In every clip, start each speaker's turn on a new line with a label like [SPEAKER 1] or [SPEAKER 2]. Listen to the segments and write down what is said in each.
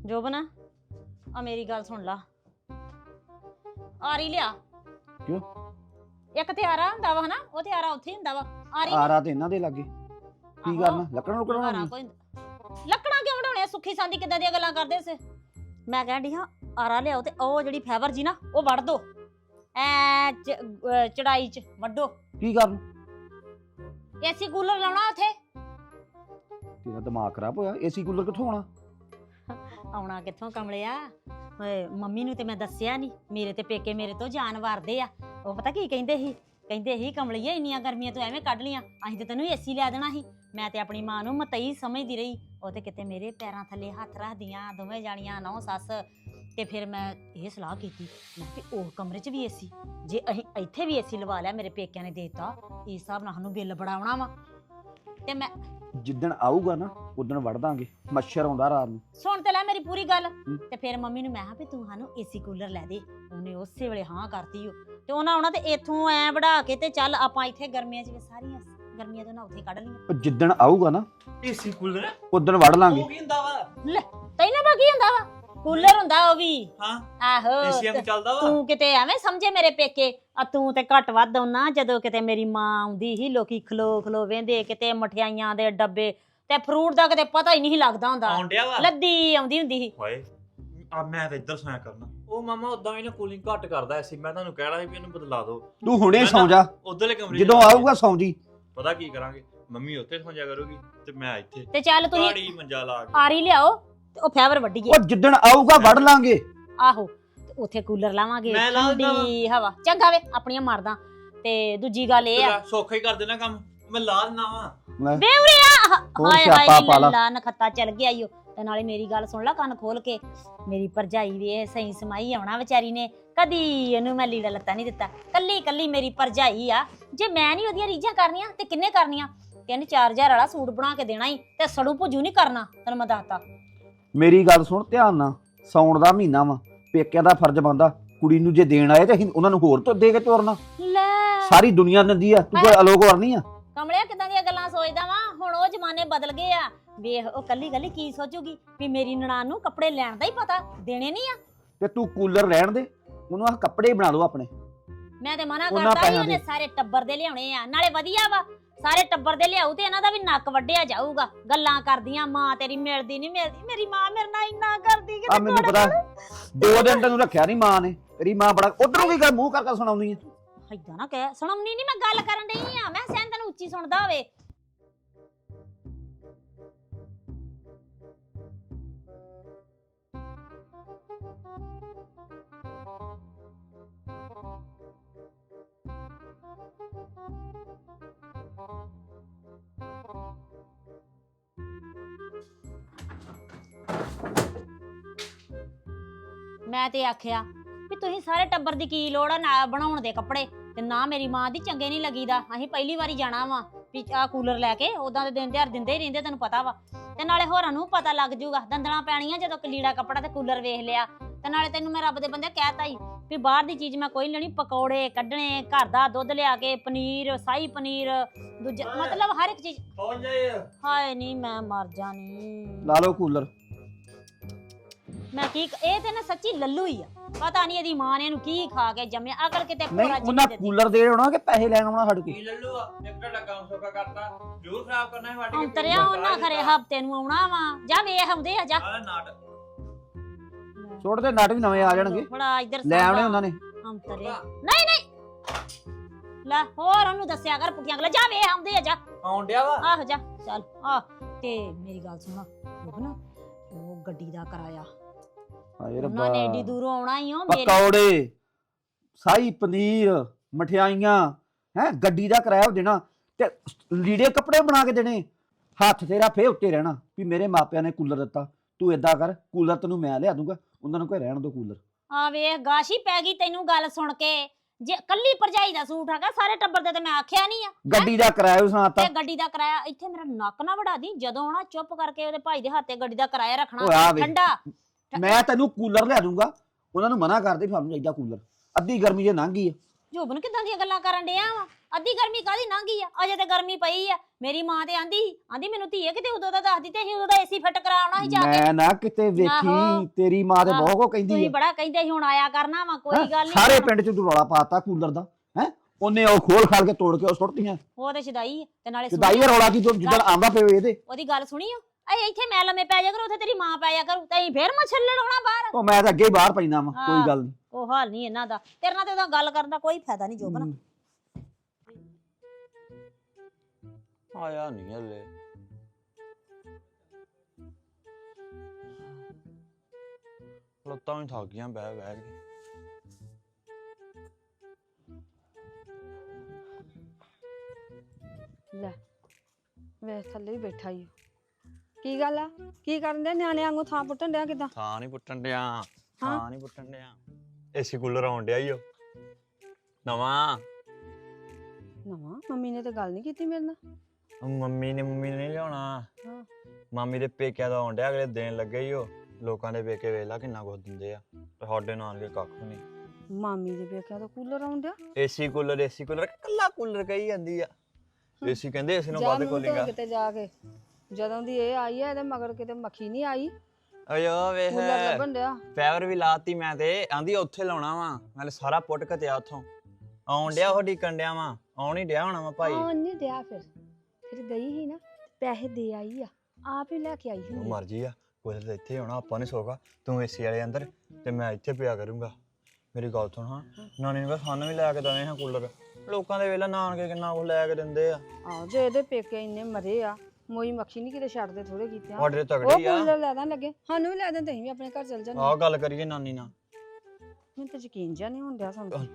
[SPEAKER 1] ਜੋਬਨ ਆ ਮੇਰੀ ਗੱਲ ਸੁਣ ਲਾ। ਆਰੀ ਲਿਆ।
[SPEAKER 2] ਕਿਉਂ?
[SPEAKER 1] ਇੱਕ ਤੇ ਆਰਾ ਹੁੰਦਾ ਵਾ ਹਨਾ, ਉਹ ਤੇ ਆਰਾ ਉੱਥੇ ਹੀ ਹੁੰਦਾ ਵਾ। ਆਰੀ
[SPEAKER 2] ਆਰਾ ਤੇ ਇਹਨਾਂ ਦੇ ਲਾਗੇ ਕੀ ਕਰਨਾ? ਲੱਕੜਾਂ ਲੁਕੜਾਂ
[SPEAKER 1] ਕੋਈ ਲੱਕੜਾਂ ਕਿਉਂ ਵਢਾਉਣੇ? ਸੁੱਖੀ ਸਾਂਦੀ ਕਿੱਦਾਂ ਦੀਆਂ ਗੱਲਾਂ ਕਰਦੇ ਸੀ। ਮੈਂ ਕਹਿਣ ਡਈ ਹਾਂ ਆਰਾ ਲਿਆਓ ਤੇ ਉਹ ਜਿਹੜੀ ਫਾਈਬਰ ਜੀ ਨਾ ਉਹ ਵੜ ਦੋ, ਐ ਚੜਾਈ ਚ ਵੱਡੋ।
[SPEAKER 2] ਕੀ ਕਰਨ?
[SPEAKER 1] ਏਸੀ ਕੂਲਰ ਲਾਉਣਾ ਉੱਥੇ।
[SPEAKER 2] ਤੇਰਾ ਦਿਮਾਗ ਖਰਾਬ ਹੋਇਆ? ਏਸੀ ਕੂਲਰ ਕਿੱਥੋਂ ਆਉਣਾ?
[SPEAKER 1] ਆਉਣਾ ਕਿੱਥੋਂ ਕਮਲਿਆ? ਓਏ ਮੰਮੀ ਨੂੰ ਤੇ ਮੈਂ ਦੱਸਿਆ ਨਹੀਂ, ਮੇਰੇ ਤੇ ਪੇਕੇ ਮੇਰੇ ਤੋਂ ਜਾਨ ਵਾਰਦੇ ਆ। ਉਹ ਪਤਾ ਕੀ ਕਹਿੰਦੇ ਸੀ ਕਮਲੀਏ ਇੰਨੀਆਂ ਗਰਮੀਆਂ ਤੋਂ ਐਵੇਂ ਕੱਢ ਲੀਆਂ, ਅਸੀਂ ਤੇ ਤੈਨੂੰ ਏਸੀ ਲਿਆ ਦੇਣਾ ਸੀ। ਮੈਂ ਤੇ ਆਪਣੀ ਮਾਂ ਨੂੰ ਮਤਈ ਸਮਝਦੀ ਰਹੀ, ਉਹ ਤੇ ਕਿਤੇ ਮੇਰੇ ਪੈਰਾਂ ਥੱਲੇ ਹੱਥ ਰੱਖਦੀਆਂ ਦੋਵੇਂ ਜਾਣੀਆਂ ਨੌ ਸੱਸ। ਤੇ ਫਿਰ ਮੈਂ ਇਹ ਸਲਾਹ ਕੀਤੀ, ਮੈਂ ਕਿ ਉਹ ਕਮਰੇ 'ਚ ਵੀ ਏਸੀ, ਜੇ ਅਸੀਂ ਇੱਥੇ ਵੀ ਏਸੀ ਲਵਾ ਲਿਆ, ਮੇਰੇ ਪੇਕਿਆਂ ਨੇ ਦੇ ਦਿੱਤਾ, ਇਸ ਹਿਸਾਬ ਨਾਲ ਸਾਨੂੰ ਬਿੱਲ ਬੜਾ ਆਉਣਾ ਵਾ। ਤੇ ਮੈਂ
[SPEAKER 2] ਜਿੱਦਣ ਆਊਗਾ ਨਾ ਉਦਣ ਵੜ ਦਾਂਗੇ। ਮੱਛਰ ਆਉਂਦਾ ਰਾਤ ਨੂੰ।
[SPEAKER 1] ਸੁਣ ਤੇ ਲੈ ਮੇਰੀ ਪੂਰੀ ਗੱਲ। ਤੇ ਫਿਰ ਮੰਮੀ ਨੂੰ ਮੈਂ ਕਿਹਾ ਵੀ ਤੂੰ ਸਾਨੂੰ ਏਸੀ ਕੂਲਰ ਲੈ ਦੇ। ਉਹਨੇ ਉਸੇ ਵੇਲੇ ਹਾਂ ਕਰਤੀ। ਤੇ ਉਹਨਾਂ ਆਉਣਾ ਤੇ ਇੱਥੋਂ ਐ ਵੜਾ ਕੇ ਤੇ ਚੱਲ ਆਪਾਂ ਇੱਥੇ ਗਰਮੀਆਂ 'ਚ ਵੀ ਸਾਰੀਆਂ ਗਰਮੀਆਂ ਤੋਂ ਨਾ ਉੱਥੇ ਕੱਢ ਲਈਆਂ।
[SPEAKER 2] ਜਿੱਦਣ ਆਊਗਾ ਨਾ
[SPEAKER 3] ਏਸੀ ਕੂਲਰ
[SPEAKER 2] ਉਦਣ ਵੜ ਲਾਂਗੇ।
[SPEAKER 3] ਉਹ ਕੀ ਹੁੰਦਾ ਵਾ?
[SPEAKER 1] ਲੈ ਤੈਨੂੰ ਪਤਾ ਕੀ ਹੁੰਦਾ ਵਾ? ਕੂਲਰ ਹੁੰਦਾ ਉਹ ਵੀ।
[SPEAKER 3] ਹਾਂ
[SPEAKER 1] ਆਹੋ
[SPEAKER 3] ਏਸੀ ਵੀ ਚੱਲਦਾ ਵਾ।
[SPEAKER 1] ਤੂੰ ਕਿਤੇ ਐਵੇਂ ਸਮਝੇ ਮੇਰੇ ਪੇਕੇ ਆ, ਤੂੰ ਤੇ ਘੱਟ ਵੱਧ ਆਉਣਾ। ਜਦੋਂ ਕਿਤੇ ਮੇਰੀ ਮਾਂ ਆਉਂਦੀ ਸੀ ਲੋਕੀ ਖਲੋ ਵੇਂਦੇ, ਕਿਤੇ ਮਠਿਆਈਆਂ ਦੇ ਡੱਬੇ ਤੇ ਫਰੂਟ ਦਾ ਕਿਤੇ ਪਤਾ ਹੀ ਨਹੀਂ ਲੱਗਦਾ ਹੁੰਦਾ।
[SPEAKER 3] ਆਉਂਦਿਆ ਵਾ
[SPEAKER 1] ਲੱਦੀ ਆਉਂਦੀ ਹੁੰਦੀ ਸੀ।
[SPEAKER 3] ਹਾਏ ਆ ਮੈਂ ਤਾਂ ਇੱਧਰ ਸੋਇਆ ਕਰਨਾ। ਉਹ ਮਾਮਾ ਉਦਾਂ ਵੀ ਨਾ ਕੂਲਿੰਗ ਘੱਟ ਕਰਦਾ ਐਸੀ। ਮੈਂ ਤੁਹਾਨੂੰ ਕਹਿਣਾ ਸੀ ਵੀ ਇਹਨੂੰ ਬਦਲਾ ਦਿਓ।
[SPEAKER 2] ਤੂੰ ਹੁਣੇ ਸੌਂ ਜਾ,
[SPEAKER 3] ਉਧਰਲੇ ਕਮਰੇ
[SPEAKER 2] ਜਦੋਂ ਆਊਗਾ ਸੌਂ ਜੀ।
[SPEAKER 3] ਪਤਾ ਕੀ ਕਰਾਂਗੇ, ਮੰਮੀ ਉੱਥੇ ਸੌਂ ਜਾ ਕਰੂਗੀ ਤੇ ਮੈਂ ਇੱਥੇ।
[SPEAKER 1] ਤੇ ਚੱਲ ਤੁਸੀਂ
[SPEAKER 3] ਗਾੜੀ ਮੰਜਾ ਲਾ ਕੇ
[SPEAKER 1] ਆਰੀ ਲਿਆਓ ਤੇ ਉਹ ਫਾਈਬਰ ਵੱਢੀਏ।
[SPEAKER 2] ਉਹ ਜਿੱਦਣ ਆਊਗਾ ਵੜ ਲਾਂਗੇ।
[SPEAKER 1] ਆਹੋ ਤੇ ਉੱਥੇ ਕੂਲਰ ਲਾਵਾਂਗੇ,
[SPEAKER 3] ਮੈਂ ਲਾ ਦਿੰਦਾ
[SPEAKER 1] ਠੰਡੀ ਹਵਾ। ਚੰਗਾ ਵੇ ਆਪਣੀਆਂ ਮਾਰਦਾ। ਤੇ ਦੂਜੀ ਗੱਲ ਇਹ ਆ,
[SPEAKER 3] ਸੌਖਾ ਹੀ ਕਰ ਦੇਣਾ ਕੰਮ। ਮੈਂ ਲਾ ਦਿੰਦਾ ਵਾ।
[SPEAKER 1] ਬੇਵਰਿਆ
[SPEAKER 2] ਹੋਰ
[SPEAKER 1] ਹਾਏ
[SPEAKER 2] ਸਿਆਪਾ
[SPEAKER 1] ਹਾਏ
[SPEAKER 2] ਪਾ ਲਾ।
[SPEAKER 1] ਲੱਲਾ ਨਖੱਤਾ ਚੱਲ ਗਿਆ ਈਓ। ਤੇ ਨਾਲੇ ਮੇਰੀ ਗੱਲ ਸੁਣ ਲੈ ਕੰਨ ਖੋਲ ਕੇ। ਮੇਰੀ ਭਰਜਾਈ ਵੇ ਸਹੀ ਸਮਾਈ ਆਉਣਾ ਵਿਚਾਰੀ ਨੇ, ਕਦੀ ਇਹਨੂੰ ਮੈਂ ਲੀੜਾ ਲੱਤਾ ਨਹੀਂ ਦਿੱਤਾ। ਕੱਲੀ ਕੱਲੀ ਮੇਰੀ ਭਰਜਾਈ ਆ। ਜੇ ਮੈਂ ਨਹੀਂ ਉਹਦੀਆਂ ਰੀਝਾਂ ਕਰਨੀਆਂ ਤੇ ਕਿੰਨੇ ਕਰਨੀਆਂ? ਕਹਿੰਦੀ 4000 ਵਾਲਾ ਸੂਟ ਬਣਾ ਕੇ ਦੇਣਾ ਹੀ ਤੇ ਸੜੂ ਭੁਜੂ ਨਹੀਂ ਕਰਨਾ। ਤੈਨੂੰ ਮੈਂ ਦੱਸਤਾ।
[SPEAKER 2] ਮੇਰੀ ਗੱਲ ਸੁਣ ਧਿਆਨ ਨਾਲ। ਸੌਣ ਦਾ ਮਹੀਨਾ ਵਾ, ਪੇਕਿਆਂ ਦਾ ਫਰਜ਼ ਬਣਦਾ ਕੁੜੀ ਨੂੰ ਜੇ ਦੇਣ ਆਏ ਤੇ ਅਸੀਂ ਉਹਨਾਂ ਨੂੰ ਹੋਰ ਤੋਂ ਦੇ ਕੇ ਤੋਰਨਾ।
[SPEAKER 1] ਲੈ
[SPEAKER 2] ਸਾਰੀ ਦੁਨੀਆ ਦਿੰਦੀ ਆ, ਤੂੰ ਕੋਈ ਅਲੋਕ ਵਰਨੀ ਆ।
[SPEAKER 1] ਕਮਲਿਆ ਕਿਦਾਂ ਦੀਆਂ ਗੱਲਾਂ ਸੋਚਦਾ ਵਾ? ਹੁਣ ਉਹ ਜ਼ਮਾਨੇ ਬਦਲ ਗਏ ਆ। ਵੇਖ ਉਹ ਕੱਲੀ ਕੱਲੀ ਕੀ ਸੋਚੂਗੀ ਵੀ ਮੇਰੀ ਨਨਾਣ ਨੂੰ ਕੱਪੜੇ ਲੈਣ ਦਾ ਹੀ ਪਤਾ, ਦੇਣੇ ਨਹੀਂ ਆ।
[SPEAKER 2] ਤੇ ਤੂੰ ਕੂਲਰ ਰਹਿਣ ਦੇ, ਉਹਨੂੰ ਆਹ ਕੱਪੜੇ ਹੀ ਬਣਾ ਲਓ ਆਪਣੇ।
[SPEAKER 1] ਮੈਂ ਤੇ ਮਨਾ
[SPEAKER 2] ਉਹਨਾਂ
[SPEAKER 1] ਕਰਦਾ ਹੀ,
[SPEAKER 2] ਪੈਸਿਆਂ
[SPEAKER 1] ਉਹਨੇ
[SPEAKER 2] ਦੇ।
[SPEAKER 1] ਸਾਰੇ ਟੱਬਰ ਦੇ ਲਿਆਉਣੇ ਆ। ਨਾਲੇ ਵਧੀਆ ਵਾ, ਸਾਰੇ ਟੱਬਰ ਦੇ ਲਿਆਉ ਤੇ ਇਹਨਾਂ ਦਾ ਵੀ ਨੱਕ ਵੱਢਿਆ ਜਾਊਗਾ। ਗੱਲਾਂ ਕਰਦੀਆਂ ਮਾਂ ਤੇਰੀ ਮਿਲਦੀ ਨਹੀਂ ਮਿਲਦੀ। ਮੇਰੀ ਮਾਂ ਮੇਰੇ ਨਾਲ ਇੰਨਾ ਕਰਦੀ ਕਿ
[SPEAKER 2] ਆ ਮੈਨੂੰ ਪਤਾ 2 ਦਿਨ ਤੈਨੂੰ ਰੱਖਿਆ ਨਹੀਂ ਮਾਂ ਨੇ। ਤੇਰੀ ਮਾਂ ਬੜਾ ਉਧਰੋਂ ਵੀ ਗੱਲ ਮੂੰਹ ਕਰਕੇ ਸੁਣਾਉਂਦੀ ਆ।
[SPEAKER 1] ਏਦਾਂ ਨਾ ਕਹਿ, ਸੁਣਾਉਣੀ ਨਹੀਂ, ਮੈਂ ਗੱਲ ਕਰਨ ਡਈ ਆ। ਮੈਂ ਸੈਨ ਤੈਨੂੰ ਉੱਚੀ ਸੁਣਦਾ ਹੋਵੇ। ਮੈਂ ਤੇ ਆਖਿਆ ਵੀ ਤੁਸੀਂ ਸਾਰੇ ਟੱਬਰ ਦੀ ਕੀ ਲੋੜ ਆ ਨਾ ਬਣਾਉਣ ਦੇ ਕੱਪੜੇ, ਤੇ ਨਾ ਮੇਰੀ ਮਾਂ ਦੀ ਚੰਗੇ ਨਹੀਂ ਲੱਗੀਦਾ। ਅਸੀਂ ਪਹਿਲੀ ਵਾਰੀ ਜਾਣਾ ਵਾ ਵੀ ਆ ਕੂਲਰ ਲੈ ਕੇ। ਉਦਾਂ ਦੇ ਦਿਨ ਤਿਉਹਾਰ ਦਿੰਦੇ ਹੀ ਰਹਿੰਦੇ, ਤੈਨੂੰ ਪਤਾ ਵਾ। ਤੇ ਨਾਲੇ ਹੋਰਾਂ ਨੂੰ ਪਤਾ ਲੱਗ ਜੂਗਾ, ਦੰਦਲਾਂ ਪੈਣੀਆਂ ਜਦੋਂ ਕਲੀੜਾ ਕੱਪੜਾ ਤੇ ਕੂਲਰ ਵੇਖ ਲਿਆ। ਤੇ ਨਾਲੇ ਤੈਨੂੰ ਮੈਂ ਰੱਬ ਦੇ ਬੰਦੇ ਕਹਿਤਾ ਹੀ ਵੀ ਬਾਹਰ ਦੀ ਚੀਜ਼ ਮੈਂ ਕੋਈ ਲੈਣੀ। ਪਕੌੜੇ ਕੱਢਣੇ, ਘਰ ਦਾ ਦੁੱਧ ਲਿਆ ਕੇ, ਪਨੀਰ, ਸ਼ਾਹੀ ਪਨੀਰ, ਦੂਜਾ ਮਤਲਬ ਹਰ ਇੱਕ ਚੀਜ਼।
[SPEAKER 3] ਹੋ ਜਾਏ
[SPEAKER 1] ਹਾਏ ਨਹੀਂ ਮੈਂ ਮਰ ਜਾਣੀ।
[SPEAKER 2] ਲਾ ਲਓ ਕੂਲਰ।
[SPEAKER 1] ਮੈਂ ਕੀ ਇਹ ਤੇ ਨਾ ਸੱਚੀ ਲੱਲੂ ਹੀ ਆ। ਪਤਾ ਨਹੀਂ ਇਹਦੀ ਮਾਂ ਨੇ ਇਹਨੂੰ ਕੀ ਖਾ ਕੇ ਜੰਮਿਆ। ਅਕਲ ਕਿਤੇ
[SPEAKER 2] ਨਹੀਂ
[SPEAKER 1] ਪੂਰਾ
[SPEAKER 2] ਉਹਨਾਂ ਕੂਲਰ ਦੇ ਆਉਣਾ ਕਿ ਪੈਸੇ ਲੈਣ ਆਉਣਾ ਸਾਡੇ
[SPEAKER 3] ਕੀ
[SPEAKER 2] ਕੋਲ?
[SPEAKER 3] ਲੱਲੂ ਆ ਇੱਕ ਤੁਹਾਡਾ ਕੰਮ ਸੋਕਾ ਕਰਤਾ ਜ਼ਰੂਰ ਖਰਾਬ ਕਰਨਾ ਹੈ ਵਾਟੀ।
[SPEAKER 1] ਅੰਤਰਿਆ ਉਹਨਾਂ ਖਰੇ ਹਫਤੇ ਨੂੰ ਆਉਣਾ ਵਾ। ਜਾ ਵੇਖ ਆਉਂਦੇ ਆ ਜਾ।
[SPEAKER 3] ਆ ਨਾਟ
[SPEAKER 2] ਛੋੜ ਦੇ, ਨਟ ਵੀ ਨਵੇਂ ਆ ਜਾਣਗੇ।
[SPEAKER 1] ਬੜਾ ਇੱਧਰ
[SPEAKER 2] ਲੈ ਆਉਣੇ ਉਹਨਾਂ ਨੇ।
[SPEAKER 1] ਅੰਤਰਿਆ ਨਹੀਂ ਨਹੀਂ ਲੈ ਹੋਰ ਉਹਨੂੰ ਦੱਸਿਆ ਕਰ ਪੁੱਠੀਆਂ ਗੱਲਾਂ। ਜਾ ਵੇਖ ਆਉਂਦੇ ਆ ਜਾ।
[SPEAKER 3] ਆਉਣ ਡਿਆ ਵਾ।
[SPEAKER 1] ਆਹ ਜਾ ਚੱਲ ਆ। ਤੇ ਮੇਰੀ ਗੱਲ ਸੁਣ, ਉਹ ਨਾ ਉਹ ਗੱਡੀ ਦਾ ਕਿਰਾਇਆ
[SPEAKER 2] ਹਾਏ
[SPEAKER 1] ਉਹਨਾਂ ਨੇ ਏਡੀ
[SPEAKER 2] ਰੱਬਾ।
[SPEAKER 1] ਦੂਰੋਂ ਆਉਣਾ ਹੀ ਉਹ ਮੇਰੇ।
[SPEAKER 2] ਪਕੌੜੇ, ਸ਼ਾਹੀ ਪਨੀਰ, ਮਠਿਆਈਆਂ, ਹੈ ਗੱਡੀ ਦਾ ਕਿਰਾਇਆ ਦੇਣਾ ਤੇ ਲੀੜੇ ਕੱਪੜੇ ਬਣਾ ਕੇ ਦੇਣੇ। ਹੱਥ ਤੇਰਾ ਫੇਰ ਉੱਤੇ ਰਹਿਣਾ ਵੀ ਮੇਰੇ ਮਾਪਿਆਂ ਨੇ ਕੂਲਰ ਦਿੱਤਾ। ਤੂੰ ਏਦਾਂ ਕਰ, ਕੂਲਰ ਤੈਨੂੰ ਮੈਂ ਲਿਆ ਦੂੰਗਾ, ਉਹਨਾਂ ਨੂੰ ਕੋਈ ਰਹਿਣ ਦੋ ਕੂਲਰ।
[SPEAKER 1] ਆ ਵੇਖ ਗਾਸ਼ੀ ਪੈ ਗਈ ਤੈਨੂੰ ਗੱਲ ਸੁਣ ਕੇ। ਜੇ ਕੱਲੀ ਭਰਜਾਈ ਦਾ ਸੂਟ ਹੈਗਾ, ਸਾਰੇ ਟੱਬਰ ਦੇ ਤੇ ਮੈਂ ਆਖਿਆ ਨਹੀਂ ਆ।
[SPEAKER 2] ਗੱਡੀ ਦਾ ਕਿਰਾਇਆ ਵੀ ਸੁਣਾਤਾ।
[SPEAKER 1] ਤੇ ਗੱਡੀ ਦਾ ਕਿਰਾਇਆ ਇੱਥੇ ਮੇਰਾ ਨੱਕ ਨਾ ਵੜਾ ਦੀ। ਜਦੋਂ ਆਉਣਾ ਚੁੱਪ ਕਰਕੇ ਉਹਦੇ ਭਾਈ ਦੇ ਹੱਥੇ ਗੱਡੀ ਦਾ ਕਿਰਾਇਆ ਰੱਖਣਾ।
[SPEAKER 2] ਓਏ ਆ ਵੇ,
[SPEAKER 1] ਠੰਡਾ
[SPEAKER 2] ਮੈਂ ਤੈਨੂੰ ਕੂਲਰ ਲਿਆ ਦੂੰਗਾ, ਉਹਨਾਂ ਨੂੰ ਮਨਾ ਕਰਦੇ ਸਾਨੂੰ ਚਾਹੀਦਾ ਕੂਲਰ। ਅੱਧੀ ਗਰਮੀ ਜੇ ਲੰਘ ਗਈ ਆ।
[SPEAKER 1] ਜੋਬਨ ਕਿਦਾਂ ਦੀਆਂ ਗੱਲਾਂ ਕਰਨ ਡਿਆ ਵਾ? ਅੱਧੀ ਗਰਮੀ ਕਾਹਦੀ ਲੰਘ ਗਈ ਆ, ਅਜੇ ਤੇ ਗਰਮੀ ਪਈ ਆ। ਮੇਰੀ ਮਾਂ ਤੇ ਆਂਦੀ ਮੈਨੂੰ ਧੀਏ ਕਿਤੇ ਉਦੋਂ ਦਾ ਦੱਸਦੀ ਤੇ ਅਸੀਂ ਉਦੋਂ ਦਾ ਏਸੀ ਫਿੱਟ ਕਰਾਉਣਾ ਸੀ ਜਾ ਕੇ।
[SPEAKER 2] ਮੈਂ ਨਾ ਕਿਤੇ
[SPEAKER 1] ਆਹੋ।
[SPEAKER 2] ਵੇਖੀ ਤੇਰੀ ਮਾਂ ਤੇ
[SPEAKER 1] ਆਹੋ।
[SPEAKER 2] ਬਹੁਤ ਕੋ ਕਹਿੰਦੀ
[SPEAKER 1] ਤੁਸੀਂ
[SPEAKER 2] ਆ
[SPEAKER 1] ਬੜਾ ਕਹਿੰਦੇ ਸੀ ਹੁਣ ਆਇਆ ਕਰਨਾ ਵਾ, ਕੋਈ
[SPEAKER 2] ਹੈਂ?
[SPEAKER 1] ਗੱਲ ਨਹੀਂ।
[SPEAKER 2] ਸਾਰੇ ਪਿੰਡ ਚ ਤੂੰ ਰੌਲਾ ਪਾਤਾ ਕੂਲਰ ਦਾ ਹੈ। ਉਹਨੇ ਉਹ ਖੋਲ ਖਾਲ ਕੇ ਤੋੜ ਕੇ ਉਹ ਸੁੱਟਤੀਆਂ।
[SPEAKER 1] ਉਹ ਤੇ ਸ਼ਦਾਈ ਆ ਤੇ ਨਾਲੇ
[SPEAKER 2] ਜਦਾਈ ਦਾ ਰੌਲਾ ਕੀ ਤੂੰ ਜਿੱਦਣ ਆਂਦਾ ਪਿਓ ਇਹਦੇ।
[SPEAKER 1] ਉਹਦੀ ਗੱਲ ਸੁਣੀਓ, ਅਏ ਇੱਥੇ ਮੈਂ ਲੰਮੇ ਪੈ ਜਾ ਕਰੂ, ਉੱਥੇ ਤੇਰੀ ਮਾਂ ਪੈ ਜਾ ਕਰੂ, ਤੇ ਅਸੀਂ ਫੇਰ ਮੱਛਰ ਲੜਾਉਣਾ ਬਾਹਰ।
[SPEAKER 2] ਉਹ ਮੈਂ ਤਾਂ ਅੱਗੇ ਹੀ ਬਾਹਰ ਪੈਂਦਾ ਵਾ,
[SPEAKER 1] ਹਾਂ।
[SPEAKER 2] ਕੋਈ ਗੱਲ ਨਹੀਂ।
[SPEAKER 1] ਉਹ ਹਾਲ ਨਹੀਂ ਇਹਨਾਂ ਦਾ, ਤੇਰੇ ਨਾਲ ਤੇ ਉਹਦਾ ਗੱਲ ਕਰਨ ਦਾ ਕੋਈ ਫਾਇਦਾ ਨਹੀਂ ਜੋਬਨ।
[SPEAKER 3] ਆਇਆ ਨਹੀਂ ਹਲੇ। ਲੱਤਾਂ ਵੀ ਥੱਕ ਗਈਆਂ ਬਹਿ ਬਹਿ ਕੇ।
[SPEAKER 4] ਲੈ ਵੇਖ ਥੱਲੇ ਹੀ ਬੈਠਾ ਈ ਓ। ਕੀ ਗੱਲ ਆ? ਕੀ ਕਰਨ ਦੇ ਨਿਆਣੇ ਵਾਂਗੂ ਥਾਂ ਪੁੱਟਣ ਡਿਆ ਕਿਦਾਂ?
[SPEAKER 3] ਥਾਂ ਨਹੀਂ ਪੁੱਟਣ ਡਿਆ, ਥਾਂ ਨਹੀਂ ਪੁੱਟਣ ਡਿਆ। ਏਸੀ ਕੂਲਰ ਆਉਣ ਡਿਆ ਈ ਓ ਨਵਾਂ।
[SPEAKER 4] ਨਵਾਂ? ਮੰਮੀ ਨੇ ਤਾਂ ਗੱਲ ਨਹੀਂ ਕੀਤੀ ਮੇਰੇ ਨਾਲ।
[SPEAKER 3] ਮੰਮੀ ਨੇ ਨਹੀਂ ਲਿਆਉਣਾ।
[SPEAKER 4] ਹਾਂ।
[SPEAKER 3] ਮਾਮੀ ਦੇ ਪੇਕਿਆਂ ਦਾ ਆਉਣ ਡਿਆ, ਅਗਲੇ ਦੇਣ ਲੱਗੇ ਈ ਓ। ਲੋਕਾਂ ਦੇ ਪੇਕੇ ਵੇਖ ਲਾ ਕਿੰਨਾ ਕੁਝ ਦਿੰਦੇ ਆ, ਤੇ ਸਾਡੇ ਨਾਲ ਕੇ ਕੱਖ ਨਹੀਂ।
[SPEAKER 4] ਮਾਮੀ ਦੇ ਵੇਖਿਆ ਤਾਂ ਕੂਲਰ ਆਉਣ ਡਿਆ।
[SPEAKER 3] ਏਸੀ ਕੂਲਰ ਕੱਲਾ ਕੂਲਰ ਕਹੀ ਜਾਂਦੀ ਆ। ਏਸੀ ਕਹਿੰਦੇ ਇਸ ਨੂੰ
[SPEAKER 4] ਜਾ
[SPEAKER 3] ਵੱਧ
[SPEAKER 4] ਮੂੰਹ
[SPEAKER 3] ਕੂਲਿੰਗ
[SPEAKER 4] ਧੋ
[SPEAKER 3] ਆ।
[SPEAKER 4] ਕਿਤੇ ਜਾ ਕੇ, ਜਦੋਂ ਦੀ ਇਹ ਆਈ ਆ ਇਹਦੇ ਮਗਰ ਕਿਤੇ ਮੱਖੀ ਨਹੀਂ ਆਈ।
[SPEAKER 3] ਓਯੋ ਵੇਖ
[SPEAKER 4] ਕੂਲਰ ਲੱਭਣ ਡਿਆ।
[SPEAKER 3] ਫਾਈਬਰ ਵੀ ਲਾਤੀ ਮੈਂ ਤੇ, ਆਂਦੀ ਉੱਥੇ ਲਾਉਣਾ ਵਾ। ਨਾਲੇ ਸਾਰਾ ਪੁੱਟ ਘਤਿਆ ਉੱਥੋਂ ਆਉਣ ਡਿਆ, ਉਹ ਢੀਕਣ ਡਿਆ ਵਾ, ਆਉਣ ਹੀ ਡਿਆ ਹੋਣਾ ਵਾ ਭਾਈ।
[SPEAKER 4] ਆਉਣ ਨਹੀਂ ਡਿਆ। ਫਿਰ ਗਈ ਸੀ ਨਾ, ਪੈਸੇ ਦੇ ਆਈ ਆ, ਆਪ ਹੀ ਲੈ ਕੇ ਆਈ
[SPEAKER 3] ਉਹ
[SPEAKER 4] ਹੁੰਦੀ।
[SPEAKER 3] ਮਰਜੀ ਆ, ਕੂਲਰ ਤਾਂ ਇੱਥੇ ਹੋਣਾ, ਆਪਾਂ ਨਹੀਂ ਸੋਗਾ। ਤੂੰ ਏਸੀ ਵਾਲੇ ਅੰਦਰ ਤੇ ਮੈਂ ਇੱਥੇ ਪਿਆ ਕਰੂੰਗਾ। ਮੇਰੀ ਗੱਲ ਸੁਣ ਹਾਂ, ਨਾਨੀ ਨੂੰ ਕਹ ਸਾਨੂੰ ਵੀ ਲੈ ਕੇ ਦਵੇਂ ਹਾਂ ਕੂਲਰ। ਲੋਕਾਂ ਦੇ ਵੇਲੇ ਨਾਨਕੇ ਕਿੰਨਾ ਕੁ ਲੈ ਕੇ ਦਿੰਦੇ ਆ।
[SPEAKER 4] ਆਹੋ ਜੇ ਇਹਦੇ ਪੇਕੇ ਇੰਨੇ ਮਰੇ ਆ, ਮੋਈ ਮੱਖੀ ਨਹੀਂ ਕਿਤੇ ਛੱਡਦੇ ਥੋੜੇ ਕੀਤੇ ਆ।
[SPEAKER 3] ਸਾਡੇ
[SPEAKER 4] ਉਹ
[SPEAKER 3] ਤਗੜੇ ਆ।
[SPEAKER 4] ਕੂਲਰ ਲੈ ਦਾਂ ਲੱਗੇ, ਸਾਨੂੰ ਵੀ ਲੈ ਦਿੰਦੇ, ਅਸੀਂ ਵੀ ਆਪਣੇ ਘਰ ਚਲ ਜਾਂਦੇ।
[SPEAKER 3] ਆਹ ਗੱਲ ਕਰੀਏ ਨਾਨੀ ਨਾਲ।
[SPEAKER 4] ਮੈਨੂੰ ਤਾਂ ਯਕੀਨ ਜਿਹਾ ਨਹੀਂ ਹੁੰਦਾ ਸਾਨੂੰ।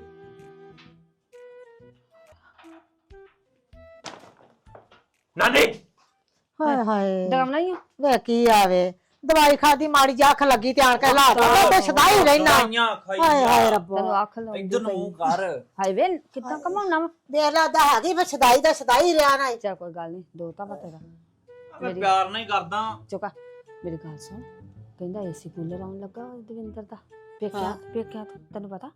[SPEAKER 3] ਨਾਨੀ
[SPEAKER 5] ਹਾਏ ਹਾਏ
[SPEAKER 4] ਡਰਾਉਣਾ ਹੀ ਆ।
[SPEAKER 5] ਵੇ ਕੀ ਆਵੇ, ਦਵਾਈ ਖਾਦੀ ਮਾੜੀ ਜਿਹੀ ਅੱਖ ਲੱਗੀ ਤੇ ਆਣ ਕੇ ਲਾ ਤਾ ਤੇ ਸਦਾ ਹੀ ਰਹਿਣਾ। ਹਾਏ ਹਾਏ ਰੱਬਾ,
[SPEAKER 4] ਤੈਨੂੰ ਅੱਖ ਲਾਉਂਦੀ
[SPEAKER 3] ਇੱਧਰ ਨੂੰ ਮੂੰਹ ਕਰ।
[SPEAKER 4] ਹਾਏ ਵੇ ਕਿੱਦਾਂ ਕਮਾਉਣਾ ਵਾ?
[SPEAKER 5] ਦੇਖ ਲਾ ਦਾ ਹੈਗੀ ਬਸ ਸਦਾਈ ਦਾ ਸਦਾ ਹੀ ਰਿਆ ਨਾ।
[SPEAKER 4] ਚਾ ਕੋਈ ਗੱਲ ਨਹੀਂ, ਦੋ ਤਾਂ ਪਤਾ ਤੇਰਾ।
[SPEAKER 3] ਮੈਂ ਪਿਆਰ ਨਹੀਂ ਕਰਦਾ।
[SPEAKER 4] ਚੁਕਾ ਮੇਰੀ ਗੱਲ ਸੁਣ, ਕਹਿੰਦਾ ਏਸੀ ਕੂਲਰ ਆਉਣ ਲੱਗਾ ਦਵਿੰਦਰ ਦਾ। ਪੇਕਿਆ ਤੈਨੂੰ ਪਤਾ?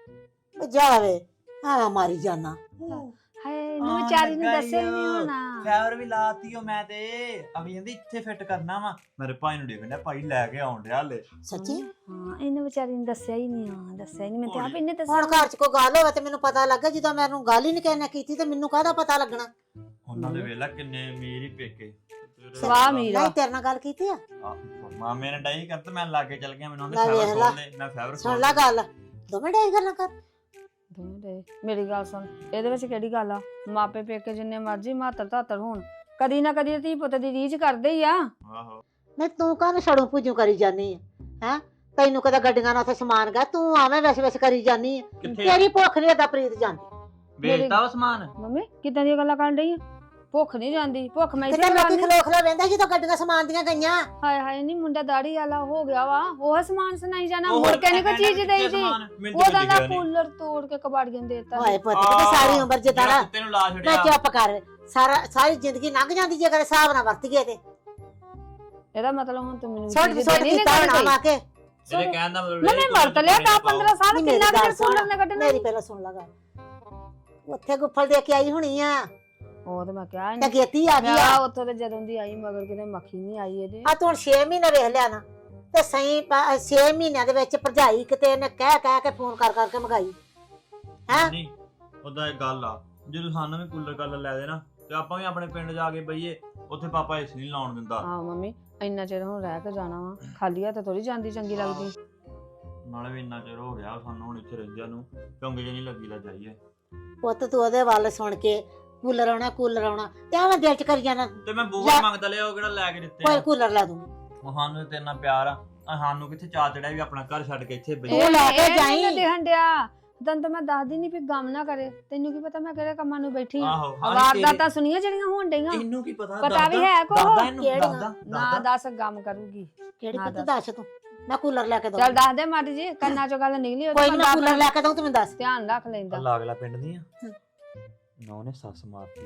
[SPEAKER 5] ਜਾਵੇ ਹਾਂ ਮਾਰੀ ਜਾਨਾ।
[SPEAKER 4] ਹਾਏ ਇਹਨੂੰ ਵਿਚਾਰੀ ਨੂੰ ਦੱਸਿਆ ਹੀ ਨਹੀਂ ਹੋਣਾ।
[SPEAKER 3] ਫਾਈਬਰ ਵੀ ਲਾਤੀ ਓ ਮੈਂ ਤੇ, ਅਗਲੀ ਕਹਿੰਦੀ ਇੱਥੇ ਫਿੱਟ ਕਰਨਾ ਵਾ। ਮੇਰੇ ਭਾਈ ਨੂੰ ਦੇਖਣ ਡਿਆ, ਭਾਈ ਲੈ ਕੇ ਆਉਣ ਡਿਆ ਹਲੇ।
[SPEAKER 5] ਸੱਚੀ
[SPEAKER 4] ਹਾਂ ਇਹਨੂੰ ਵਿਚਾਰੀ ਨੂੰ ਦੱਸਿਆ ਹੀ ਨਹੀਂ ਆ, ਦੱਸਿਆ ਹੀ ਨਹੀਂ। ਮੈਂ ਤੇ ਆਪ ਇਹਨੇ
[SPEAKER 5] ਹੁਣ
[SPEAKER 4] ਦੱਸਿਆ।
[SPEAKER 5] ਘਰ ਚ ਕੋਈ ਗੱਲ ਹੋਵੇ ਤੇ ਮੈਨੂੰ ਪਤਾ ਲੱਗੇ, ਜਦੋਂ ਮੈਨੂੰ ਗੱਲ ਹੀ ਨਹੀਂ ਕਿਸੇ ਨੇ ਕੀਤੀ ਤੇ ਮੈਨੂੰ ਕਾਹਦਾ ਪਤਾ ਲੱਗਣਾ।
[SPEAKER 3] ਉਹਨਾਂ ਦੇ ਵੇਲਾ ਕਿੰਨੇ ਅਮੀਰ ਹੀ ਪੇਕੇ।
[SPEAKER 4] ਸਵਾਹ ਅਮੀਰ ਆ।
[SPEAKER 5] ਨਹੀਂ ਤੇਰੇ ਨਾਲ ਗੱਲ ਕੀਤੀ ਆ?
[SPEAKER 3] ਮਾਮੇ ਨੇ ਡਾਈ ਕਰ ਤੇ ਮੈਂ ਲਾਗੇ ਚੱਲ ਗਿਆ। ਮੈਨੂੰ
[SPEAKER 5] ਲੈ ਵੇਖ ਲਾ।
[SPEAKER 3] ਮੈਂ ਫਾਈਬਰ
[SPEAKER 5] ਸੁਣ ਲੈ ਗੱਲ, ਦੋਵੇਂ ਡੇ ਗੱਲਾਂ ਕਰ।
[SPEAKER 4] ਦੋਵੇਂ ਦੇ ਮੇਰੀ ਗੱਲ ਸੁਣ, ਇਹਦੇ ਵਿੱਚ ਕਿਹੜੀ ਗੱਲ ਆ? ਮਾਪੇ ਪੇਕੇ ਜਿੰਨੇ ਮਰਜ਼ੀ ਮਾਤਰ ਧਾਤਰ ਹੋਣ, ਕਦੀ ਨਾ ਕਦੀ ਧੀ ਪੁੱਤ ਦੀ ਰੀਝ ਕਰਦੇ ਹੀ ਆ।
[SPEAKER 3] ਆਹੋ
[SPEAKER 5] ਨਹੀਂ ਤੂੰ ਕਾਹਨੂੰ ਛੜੂ ਭੁਜੂ ਕਰੀ ਜਾਨੀ ਹੈ? ਤੈਨੂੰ ਕਦੇ ਗੱਡੀਆਂ ਨਾਲ ਉੱਥੇ ਸਮਾਨ ਗਾ, ਤੂੰ ਆਵੇਂ ਵੈਸੇ ਕਰੀ ਜਾਨੀ ਆ। ਤੇਰੀ ਭੁੱਖ ਨਹੀਂ ਏਦਾਂ ਪ੍ਰੀਤ ਜਾਂਦੀ।
[SPEAKER 3] ਵੇਚਦਾ ਵਾ ਸਮਾਨ।
[SPEAKER 4] ਮੰਮੀ ਕਿੱਦਾਂ ਦੀਆਂ ਗੱਲਾਂ ਕਰਨ ਡਈ ਆ? ਭੁੱਖ ਨਹੀਂ ਜਾਂਦੀ, ਭੁੱਖ ਮੈਂ
[SPEAKER 5] ਕਿਤੇ
[SPEAKER 4] ਇਸੇ
[SPEAKER 5] ਲੋਕੀ
[SPEAKER 4] ਕਰਨੀ।
[SPEAKER 5] ਖਲੋ ਵੇਂਦਾ ਜਦੋਂ ਗੱਡੀਆਂ ਸਮਾਨ ਦੀਆਂ ਗਈਆਂ।
[SPEAKER 4] ਹਾਏ ਹਾਏ ਨਹੀਂ ਮੁੰਡਾ ਦਾੜੀ ਵਾਲਾ ਹੋ ਗਿਆ ਵਾ, ਉਹ ਸਮਾਨ ਸੁਣਾਈ ਜਾਣਾ। ਮੁੜ ਕੇ ਨਹੀਂ ਕੋਈ ਚੀਜ਼ ਦੇਈ ਦੀ। ਉਹਦਾ ਦਾ ਕੂਲਰ ਤੋੜ ਕੇ ਕਬਾੜੀਆਂ ਦੇਤਾ।
[SPEAKER 5] ਹਾਏ ਪੁੱਤ ਕਿਤੇ ਸਾਰੀ ਉਮਰ ਜਿੱਦਾਂ ਨਾ
[SPEAKER 3] ਤੈਨੂੰ ਲਾ
[SPEAKER 5] ਮੈਂ
[SPEAKER 3] ਛੱਡਿਆ।
[SPEAKER 5] ਚੁੱਪ ਕਰ। ਸਾਰੀ ਜ਼ਿੰਦਗੀ ਲੰਘ ਜਾਂਦੀ ਜੇ ਕਰੇ ਹਿਸਾਬ ਨਾਲ ਵਰਤੀਏ ਤੇ।
[SPEAKER 4] ਇਹਦਾ ਮਤਲਬ ਹੁਣ ਤੂੰ ਮੈਨੂੰ
[SPEAKER 5] ਛੋਟ
[SPEAKER 4] ਚੀਜ਼
[SPEAKER 5] ਛੋਟ
[SPEAKER 4] ਦੇਣੀ
[SPEAKER 5] ਕੀਤਾ
[SPEAKER 4] ਨਹੀਂ
[SPEAKER 5] ਹੋਣਾ ਕੇ।
[SPEAKER 3] ਇਹਦੇ ਕਹਿਣ ਦਾ ਮਤਲਬ
[SPEAKER 4] ਮੈਂ ਵਰਤ ਲਿਆ ਤਾਂ 15 ਸਾਲ
[SPEAKER 5] ਨਹੀਂ, ਮੇਰੀ
[SPEAKER 4] ਕਿੰਨਾ
[SPEAKER 5] ਗੱਲ
[SPEAKER 4] ਕੁ ਚਿਰ ਕੂਲਰ ਨੇ ਕੱਢਣਾ।
[SPEAKER 5] ਮੇਰੀ ਪਹਿਲਾਂ ਸੁਣ ਲਾ ਗੱਲ। ਉੱਥੇ ਗੁੱਫਲ ਦੇ ਕੇ ਆਈ ਹੋਣੀ ਆ
[SPEAKER 4] ਉਹ ਤੇ ਮੈਂ ਕਿਹਾ
[SPEAKER 5] ਤੇ ਗੇਤੀ ਆ ਗਈ ਆ।
[SPEAKER 4] ਉੱਥੋਂ ਤੇ ਜਦੋਂ ਦੀ ਆਈ ਮਗਰ ਕਿਤੇ ਮੱਖੀ ਨਹੀਂ ਆਈ ਇਹਦੇ।
[SPEAKER 5] ਆ ਤੂੰ ਹੁਣ 6 ਮਹੀਨੇ ਵੇਖ ਲਿਆ ਨਾ, ਤੇ ਸਹੀ 6 ਮਹੀਨਿਆਂ ਦੇ ਵਿੱਚ ਭਰਜਾਈ ਕਿਤੇ ਇਹਨੇ ਕਹਿ ਕੇ ਫੋਨ ਕਰ ਕਰਕੇ ਮੰਗਾਈ ਹੈ।
[SPEAKER 3] ਨਹੀਂ ਉਹਦਾ ਇੱਕ ਗੱਲ ਆ, ਜਦੋਂ ਸਾਨੂੰ ਵੀ ਕੂਲਰ ਗੱਲ ਲੈ ਦੇ ਨਾ, ਤੇ ਆਪਾਂ ਵੀ ਆਪਣੇ ਪਿੰਡ ਜਾ ਕੇ ਬਈਏ। ਉੱਥੇ ਪਾਪਾ ਏਸੀ ਨਹੀਂ ਲਾਉਣ ਦਿੰਦਾ।
[SPEAKER 4] ਹਾਂ ਮੰਮੀ ਇੰਨਾ ਚਿਰ ਹੁਣ ਰਹਿ ਕੇ ਜਾਣਾ ਵਾ, ਖਾਲੀ ਹੱਥ ਥੋੜੀ ਜਾਂਦੀ ਚੰਗੀ ਲੱਗਦੀ।
[SPEAKER 3] ਨਾਲੇ ਵੀ ਇੰਨਾ ਚਿਰ ਹੋ ਗਿਆ ਸਾਨੂੰ ਹੁਣ ਇੱਥੇ ਰਹਿੰਦਿਆਂ ਨੂੰ, ਚੰਗੇ ਜਿਹੀ ਨਹੀਂ ਲੱਗੀ ਲਾ ਜਾਈਏ।
[SPEAKER 5] ਪੁੱਤ ਤੂੰ ਉਹਦੇ ਵੱਲ ਸੁਣ ਕੇ ਕੂਲਰ ਆਉਣਾ ਤੇ ਆਵੇਂ ਦਿਲ ਚ ਕਰੀ ਜਾਣਾ
[SPEAKER 3] ਤੇ ਮੈਂ ਬੂਹਾ ਮੰਗਦਾ ਲਿਆ, ਉਹ ਕਿਹੜਾ ਲੈ ਕੇ ਦਿੱਤੇ
[SPEAKER 5] ਕੋਈ
[SPEAKER 3] ਆ।
[SPEAKER 5] ਕੂਲਰ ਲੈ ਦੂੰ।
[SPEAKER 3] ਉਹ ਸਾਨੂੰ ਤੇ ਇੰਨਾ ਪਿਆਰ ਆ, ਸਾਨੂੰ ਕਿੱਥੇ ਚਾਅ ਚੜਿਆ ਵੀ ਆਪਣਾ ਘਰ ਛੱਡ ਕੇ ਇੱਥੇ ਬਈਏ।
[SPEAKER 5] ਉਹ ਲੈ ਕੇ ਜਾਈਂ।
[SPEAKER 4] ਇਹ ਦੇਖਣ ਡਿਆ ਤੈਨੂੰ ਤਾਂ ਮੈਂ ਦੱਸਦੀ ਨਹੀਂ ਵੀ ਗਮ ਨਾ ਕਰੇ। ਤੈਨੂੰ ਕੀ ਪਤਾ ਮੈਂ ਕਿਹੜੇ ਕੰਮਾਂ ਨੂੰ ਬੈਠੀ ਆ?
[SPEAKER 3] ਆਹੋ
[SPEAKER 4] ਵਾਰਦਾਤਾਂ ਸੁਣੀਆਂ ਜਿਹੜੀਆਂ ਹੋਣ ਡਈਆਂ।
[SPEAKER 3] ਇਹਨੂੰ ਕੀ ਪਤਾ?
[SPEAKER 4] ਪਤਾ ਵੀ ਹੈ ਕੋ
[SPEAKER 5] ਕਿਹੜੀਆਂ?
[SPEAKER 4] ਨਾ ਦੱਸ ਗਮ ਕਰੂਗੀ।
[SPEAKER 5] ਕਿਹੜੀ
[SPEAKER 4] ਹਾਂ
[SPEAKER 5] ਪੁੱਤ ਦੱਸ ਤੂੰ। ਮੈਂ ਕੂਲਰ ਲੈ ਕੇ ਦਊਂ।
[SPEAKER 4] ਚੱਲ ਦੱਸ ਦੇ ਮਾੜੀ ਜੀ, ਕੰਨਾਂ ਚੋਂ ਗੱਲ ਨਿਕਲੀ ਉਹ
[SPEAKER 5] ਕੋਈ ਨੀ, ਮੈਂ ਕੂਲਰ ਲੈ ਕੇ ਦਊਂ, ਤੂੰ ਮੈਨੂੰ ਦੱਸ।
[SPEAKER 4] ਧਿਆਨ ਰੱਖ ਲੈਂਦਾ।
[SPEAKER 3] ਲਾਗਲਾ ਪਿੰਡ ਦੀ ਆ ਨਾ, ਉਹਨੇ ਸੱਸ ਮਾਰਤੀ।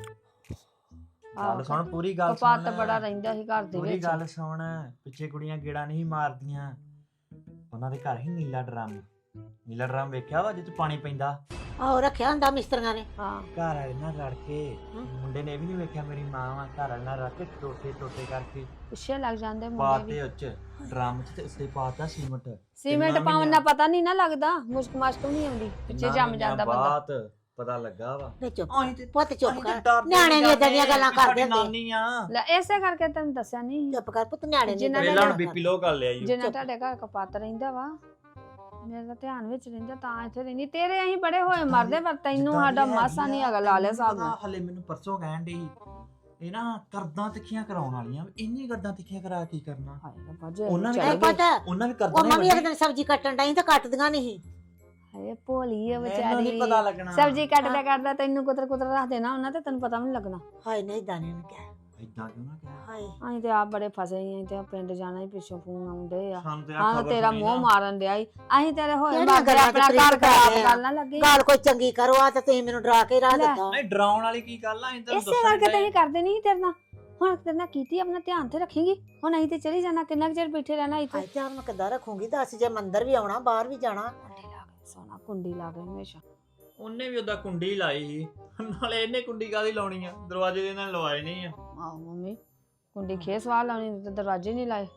[SPEAKER 3] ਗੱਲ ਸੁਣ, ਪੂਰੀ ਗੱਲ ਸੁਣ।
[SPEAKER 4] ਕਪੱਤ ਬੜਾ ਰਹਿੰਦਾ ਸੀ ਘਰ ਦੇ
[SPEAKER 3] ਪੂਰੀ
[SPEAKER 4] ਵਿੱਚ।
[SPEAKER 3] ਗੱਲ ਸੁਣ, ਪਿੱਛੇ ਕੁੜੀਆਂ ਗੇੜਾ ਨਹੀਂ ਮਾਰਦੀਆਂ। ਉਹਨਾਂ ਦੇ ਘਰ ਹੀ ਨੀਲਾ ਡਰਮ, ਨੀਲਾ ਡਰਮ ਵੇਖਿਆ ਵਾ ਜਿੱਥੇ ਪਾਣੀ ਪੈਂਦਾ।
[SPEAKER 5] ਆਹੋ ਰੱਖਿਆ ਹੁੰਦਾ ਮਿਸਤਰੀਆਂ ਨੇ।
[SPEAKER 4] ਹਾਂ
[SPEAKER 3] ਘਰ ਵਾਲੇ ਨਾਲ ਲੜ ਕੇ ਮੁੰਡੇ ਨੇ ਇਹ ਵੀ ਨਹੀਂ ਵੇਖਿਆ ਮੇਰੀ ਮਾਂ ਵਾ ਘਰ ਵਾਲੇ ਨਾਲ ਰੱਖ ਕੇ ਟੋਟੇ ਕਰਕੇ
[SPEAKER 4] ਪਿੱਛੇ ਲੱਗ ਜਾਂਦੇ ਮੁੰਡੇ
[SPEAKER 3] ਪਾਤੇ
[SPEAKER 4] ਵੀ।
[SPEAKER 3] ਉੱਚ ਡਰਮ ਚ ਤੇ ਉੱਤੇ ਪਾਤਾ ਸੀਮਟ।
[SPEAKER 4] ਸੀਮੈਂਟ ਪਾਉਣ ਨਾਲ ਪਤਾ ਨਹੀਂ ਨਾ ਲੱਗਦਾ, ਮੁਸ਼ਕ ਮਾਸ਼ਕ ਨਹੀਂ ਆਉਂਦੀ, ਪਿੱਛੇ ਜੰਮ ਜਾਂਦਾ ਬੰਦਾ।
[SPEAKER 3] ਬਾਤ ਪਤਾ ਲੱਗਾ ਵਾ।
[SPEAKER 5] ਨਹੀਂ ਚੁੱਪ
[SPEAKER 3] ਅਸੀਂ ਤੇ-
[SPEAKER 5] ਪੁੱਤ ਚੁੱਪ
[SPEAKER 3] ਅਸੀਂ
[SPEAKER 5] ਕਰ।
[SPEAKER 3] ਤੇ ਡਰਦੇ
[SPEAKER 5] ਨਿਆਣੇ ਵੀ ਏਦਾਂ ਦੀਆਂ ਗੱਲਾਂ
[SPEAKER 3] ਸਾਡੀ
[SPEAKER 5] ਕਰਦੇ ਹੁੰਦੇ।
[SPEAKER 3] ਨਾਨੀ ਆ।
[SPEAKER 4] ਲੈ ਇਸੇ ਕਰਕੇ ਤੈਨੂੰ ਦੱਸਿਆ ਨਹੀਂ,
[SPEAKER 5] ਚੁੱਪ ਕਰ ਪੁੱਤ, ਨਿਆਣੇ ਨਹੀਂ
[SPEAKER 4] ਜਿਨ੍ਹਾਂ ਨੇ
[SPEAKER 3] ਪਹਿਲਾਂ ਬੀਪੀ ਲੋ ਕਰ ਲਿਆ ਜੀ।
[SPEAKER 4] ਜਿੰਨਾ ਤੁਹਾਡੇ ਘਰ ਕਪੱਤ ਰਹਿੰਦਾ ਵਾ ਮੇਰਾ ਧਿਆਨ ਵਿੱਚ ਰਹਿੰਦਾ ਤਾਂ ਇੱਥੇ ਰਹਿੰਦੀ। ਤੇਰੇ ਅਸੀਂ ਬੜੇ ਹੋਏ ਮਰਦੇ, ਪਰ ਤੈਨੂੰ ਸਾਡਾ ਮਾਸਾ ਨਹੀਂ ਹੈਗਾ ਲਾਲੇ ਸਾਹਿਬ ਨਾਲ।
[SPEAKER 3] ਹਲੇ ਮੈਨੂੰ ਪਰਸੋਂ ਕਹਿਣ ਡਈ ਇਹ ਨਾ ਕਰਦਾਂ ਤਿੱਖੀਆਂ ਕਰਾਉਣ ਵਾਲੀਆਂ, ਇੰਨੀ ਕਰਦਾਂ ਤਿੱਖੀਆਂ ਕਰਾ ਕੀ ਕਰਨਾ।
[SPEAKER 4] ਹਾਏ ਰੱਬਾ ਜੇ
[SPEAKER 3] ਉਹਨਾਂ ਨੇ
[SPEAKER 4] ਚਲੇ
[SPEAKER 5] ਇਹ
[SPEAKER 4] ਗਏ।
[SPEAKER 5] ਪੁੱਤ
[SPEAKER 3] ਉਹਨਾਂ ਵੀ
[SPEAKER 5] ਉਹ
[SPEAKER 3] ਕਰਦਾਂ
[SPEAKER 5] ਮੰਮੀ ਇੱਕ ਦਿਨ ਸਬਜ਼ੀ ਕੱਟਣ ਡਈ ਤਾਂ ਕੱਟਦੀਆਂ ਨਹੀਂ।
[SPEAKER 4] ਹਾਏ ਭੋਲੀ ਆ
[SPEAKER 3] ਮੈਨੂੰ
[SPEAKER 4] ਵਿਚਾਰੀ,
[SPEAKER 3] ਨਹੀਂ ਪਤਾ ਲੱਗਣਾ।
[SPEAKER 4] ਸਬਜ਼ੀ ਕੱਟਦਾ ਕੱਟਦਾ ਤੈਨੂੰ ਕੁਤਰ ਕੁਤਰ ਰੱਖ ਦੇਣਾ ਉਹਨਾਂ ਤੇ ਤੈਨੂੰ ਪਤਾ ਵੀ ਨਹੀਂ ਲੱਗਣਾ।
[SPEAKER 5] ਹਾਏ ਨਹੀਂ ਦਾਣੇ ਨੇ ਕਿਹਾ
[SPEAKER 3] ਇਦਾਂ ਕਿਉਂ ਨਾ ਕਹਿ।
[SPEAKER 5] ਹਾਏ
[SPEAKER 4] ਅਸੀਂ ਤੇ ਆਪ ਬੜੇ ਫਸੇ ਆਂ ਤੇ ਪਿੰਡ ਜਾਣਾ ਹੀ ਪਿੱਛੋਂ ਫੋਨ ਆਉਂਦੇ ਆ।
[SPEAKER 3] ਸਾਨੂੰ ਤੇ
[SPEAKER 4] ਹਾਂ
[SPEAKER 3] ਖਬਰ
[SPEAKER 4] ਤੇਰਾ
[SPEAKER 3] ਸੁਣੀ
[SPEAKER 4] ਮੂੰਹ
[SPEAKER 3] ਨਾ।
[SPEAKER 4] ਮਾਰਨ ਡਿਆ ਈ। ਅਸੀਂ ਤੇਰੇ ਹੋਏ
[SPEAKER 5] ਕਿਹੜੀਆਂ
[SPEAKER 4] ਮਰਦੇ
[SPEAKER 5] ਗੱਲਾਂ
[SPEAKER 4] ਆਪਣਾ
[SPEAKER 5] ਤੇ
[SPEAKER 4] ਘਰ
[SPEAKER 5] ਪ੍ਰੀਤ
[SPEAKER 4] ਖਰਾਬ
[SPEAKER 5] ਕਰਦੇ ਆ?
[SPEAKER 4] ਕਰਨ ਨਾ ਲੱਗੇ।
[SPEAKER 5] ਗੱਲ ਕੋਈ ਚੰਗੀ ਕਰੋ ਆ ਤੇ ਤੁਸੀਂ ਮੈਨੂੰ ਡਰਾ ਕੇ ਰਾਹ ਦਿੱਤਾ।
[SPEAKER 3] ਨਹੀਂ ਡਰਾਉਣ ਵਾਲੀ ਕੀ ਗੱਲ ਆ, ਅਸੀਂ
[SPEAKER 4] ਇਸੇ ਕਰਕੇ ਤੇ ਅਸੀਂ ਕਰਦੇ ਨਹੀਂ ਤੇਰੇ ਨਾਲ। ਹੁਣ ਤੇਰੇ ਨਾਲ ਕੀਤੀ, ਆਪਣਾ ਧਿਆਨ ਤੇ ਰੱਖੇਂਗੀ। ਹੁਣ ਅਸੀਂ ਤੇ ਚਲੀ ਜਾਣਾ, ਕਿੰਨਾ ਕੁ ਚਿਰ ਬੈਠੇ ਰਹਿਣਾ ਇੱਥੇ।
[SPEAKER 5] ਹਾਏ ਧਿਆਨ ਮੈਂ ਕਿੱਦਾਂ ਰੱਖੂੰਗੀ? ਦੱਸ, ਜੇ ਮੰਦਰ ਵੀ ਆਉਣਾ ਬਾਹਰ ਵੀ ਜਾਣਾ।
[SPEAKER 4] ਕੁੰਡੀ ਲਾ ਕੇ ਸੋਨਾ, ਕੁੰਡੀ ਲਾ ਕੇ ਹਮੇਸ਼ਾ।
[SPEAKER 3] ਉਹਨੇ ਵੀ ਉਹਦਾ ਕੁੰਡੀ ਲਾਈ ਸੀ, ਨਾਲੇ ਇਹਨੇ ਕੁੰਡੀ ਕਾਹਦੀ ਲਾਉਣੀ ਆ, ਦਰਵਾਜ਼ੇ ਦੇ ਨਾਲ ਲਵਾਏ ਨਹੀਂ ਆ।
[SPEAKER 4] ਆਹੋ ਮੰਮੀ, ਕੁੰਡੀ ਖੇਸ ਵਾਲ ਲਾਉਣੀ ਤੇ ਦਰਵਾਜ਼ੇ ਨਹੀਂ ਲਾਏ।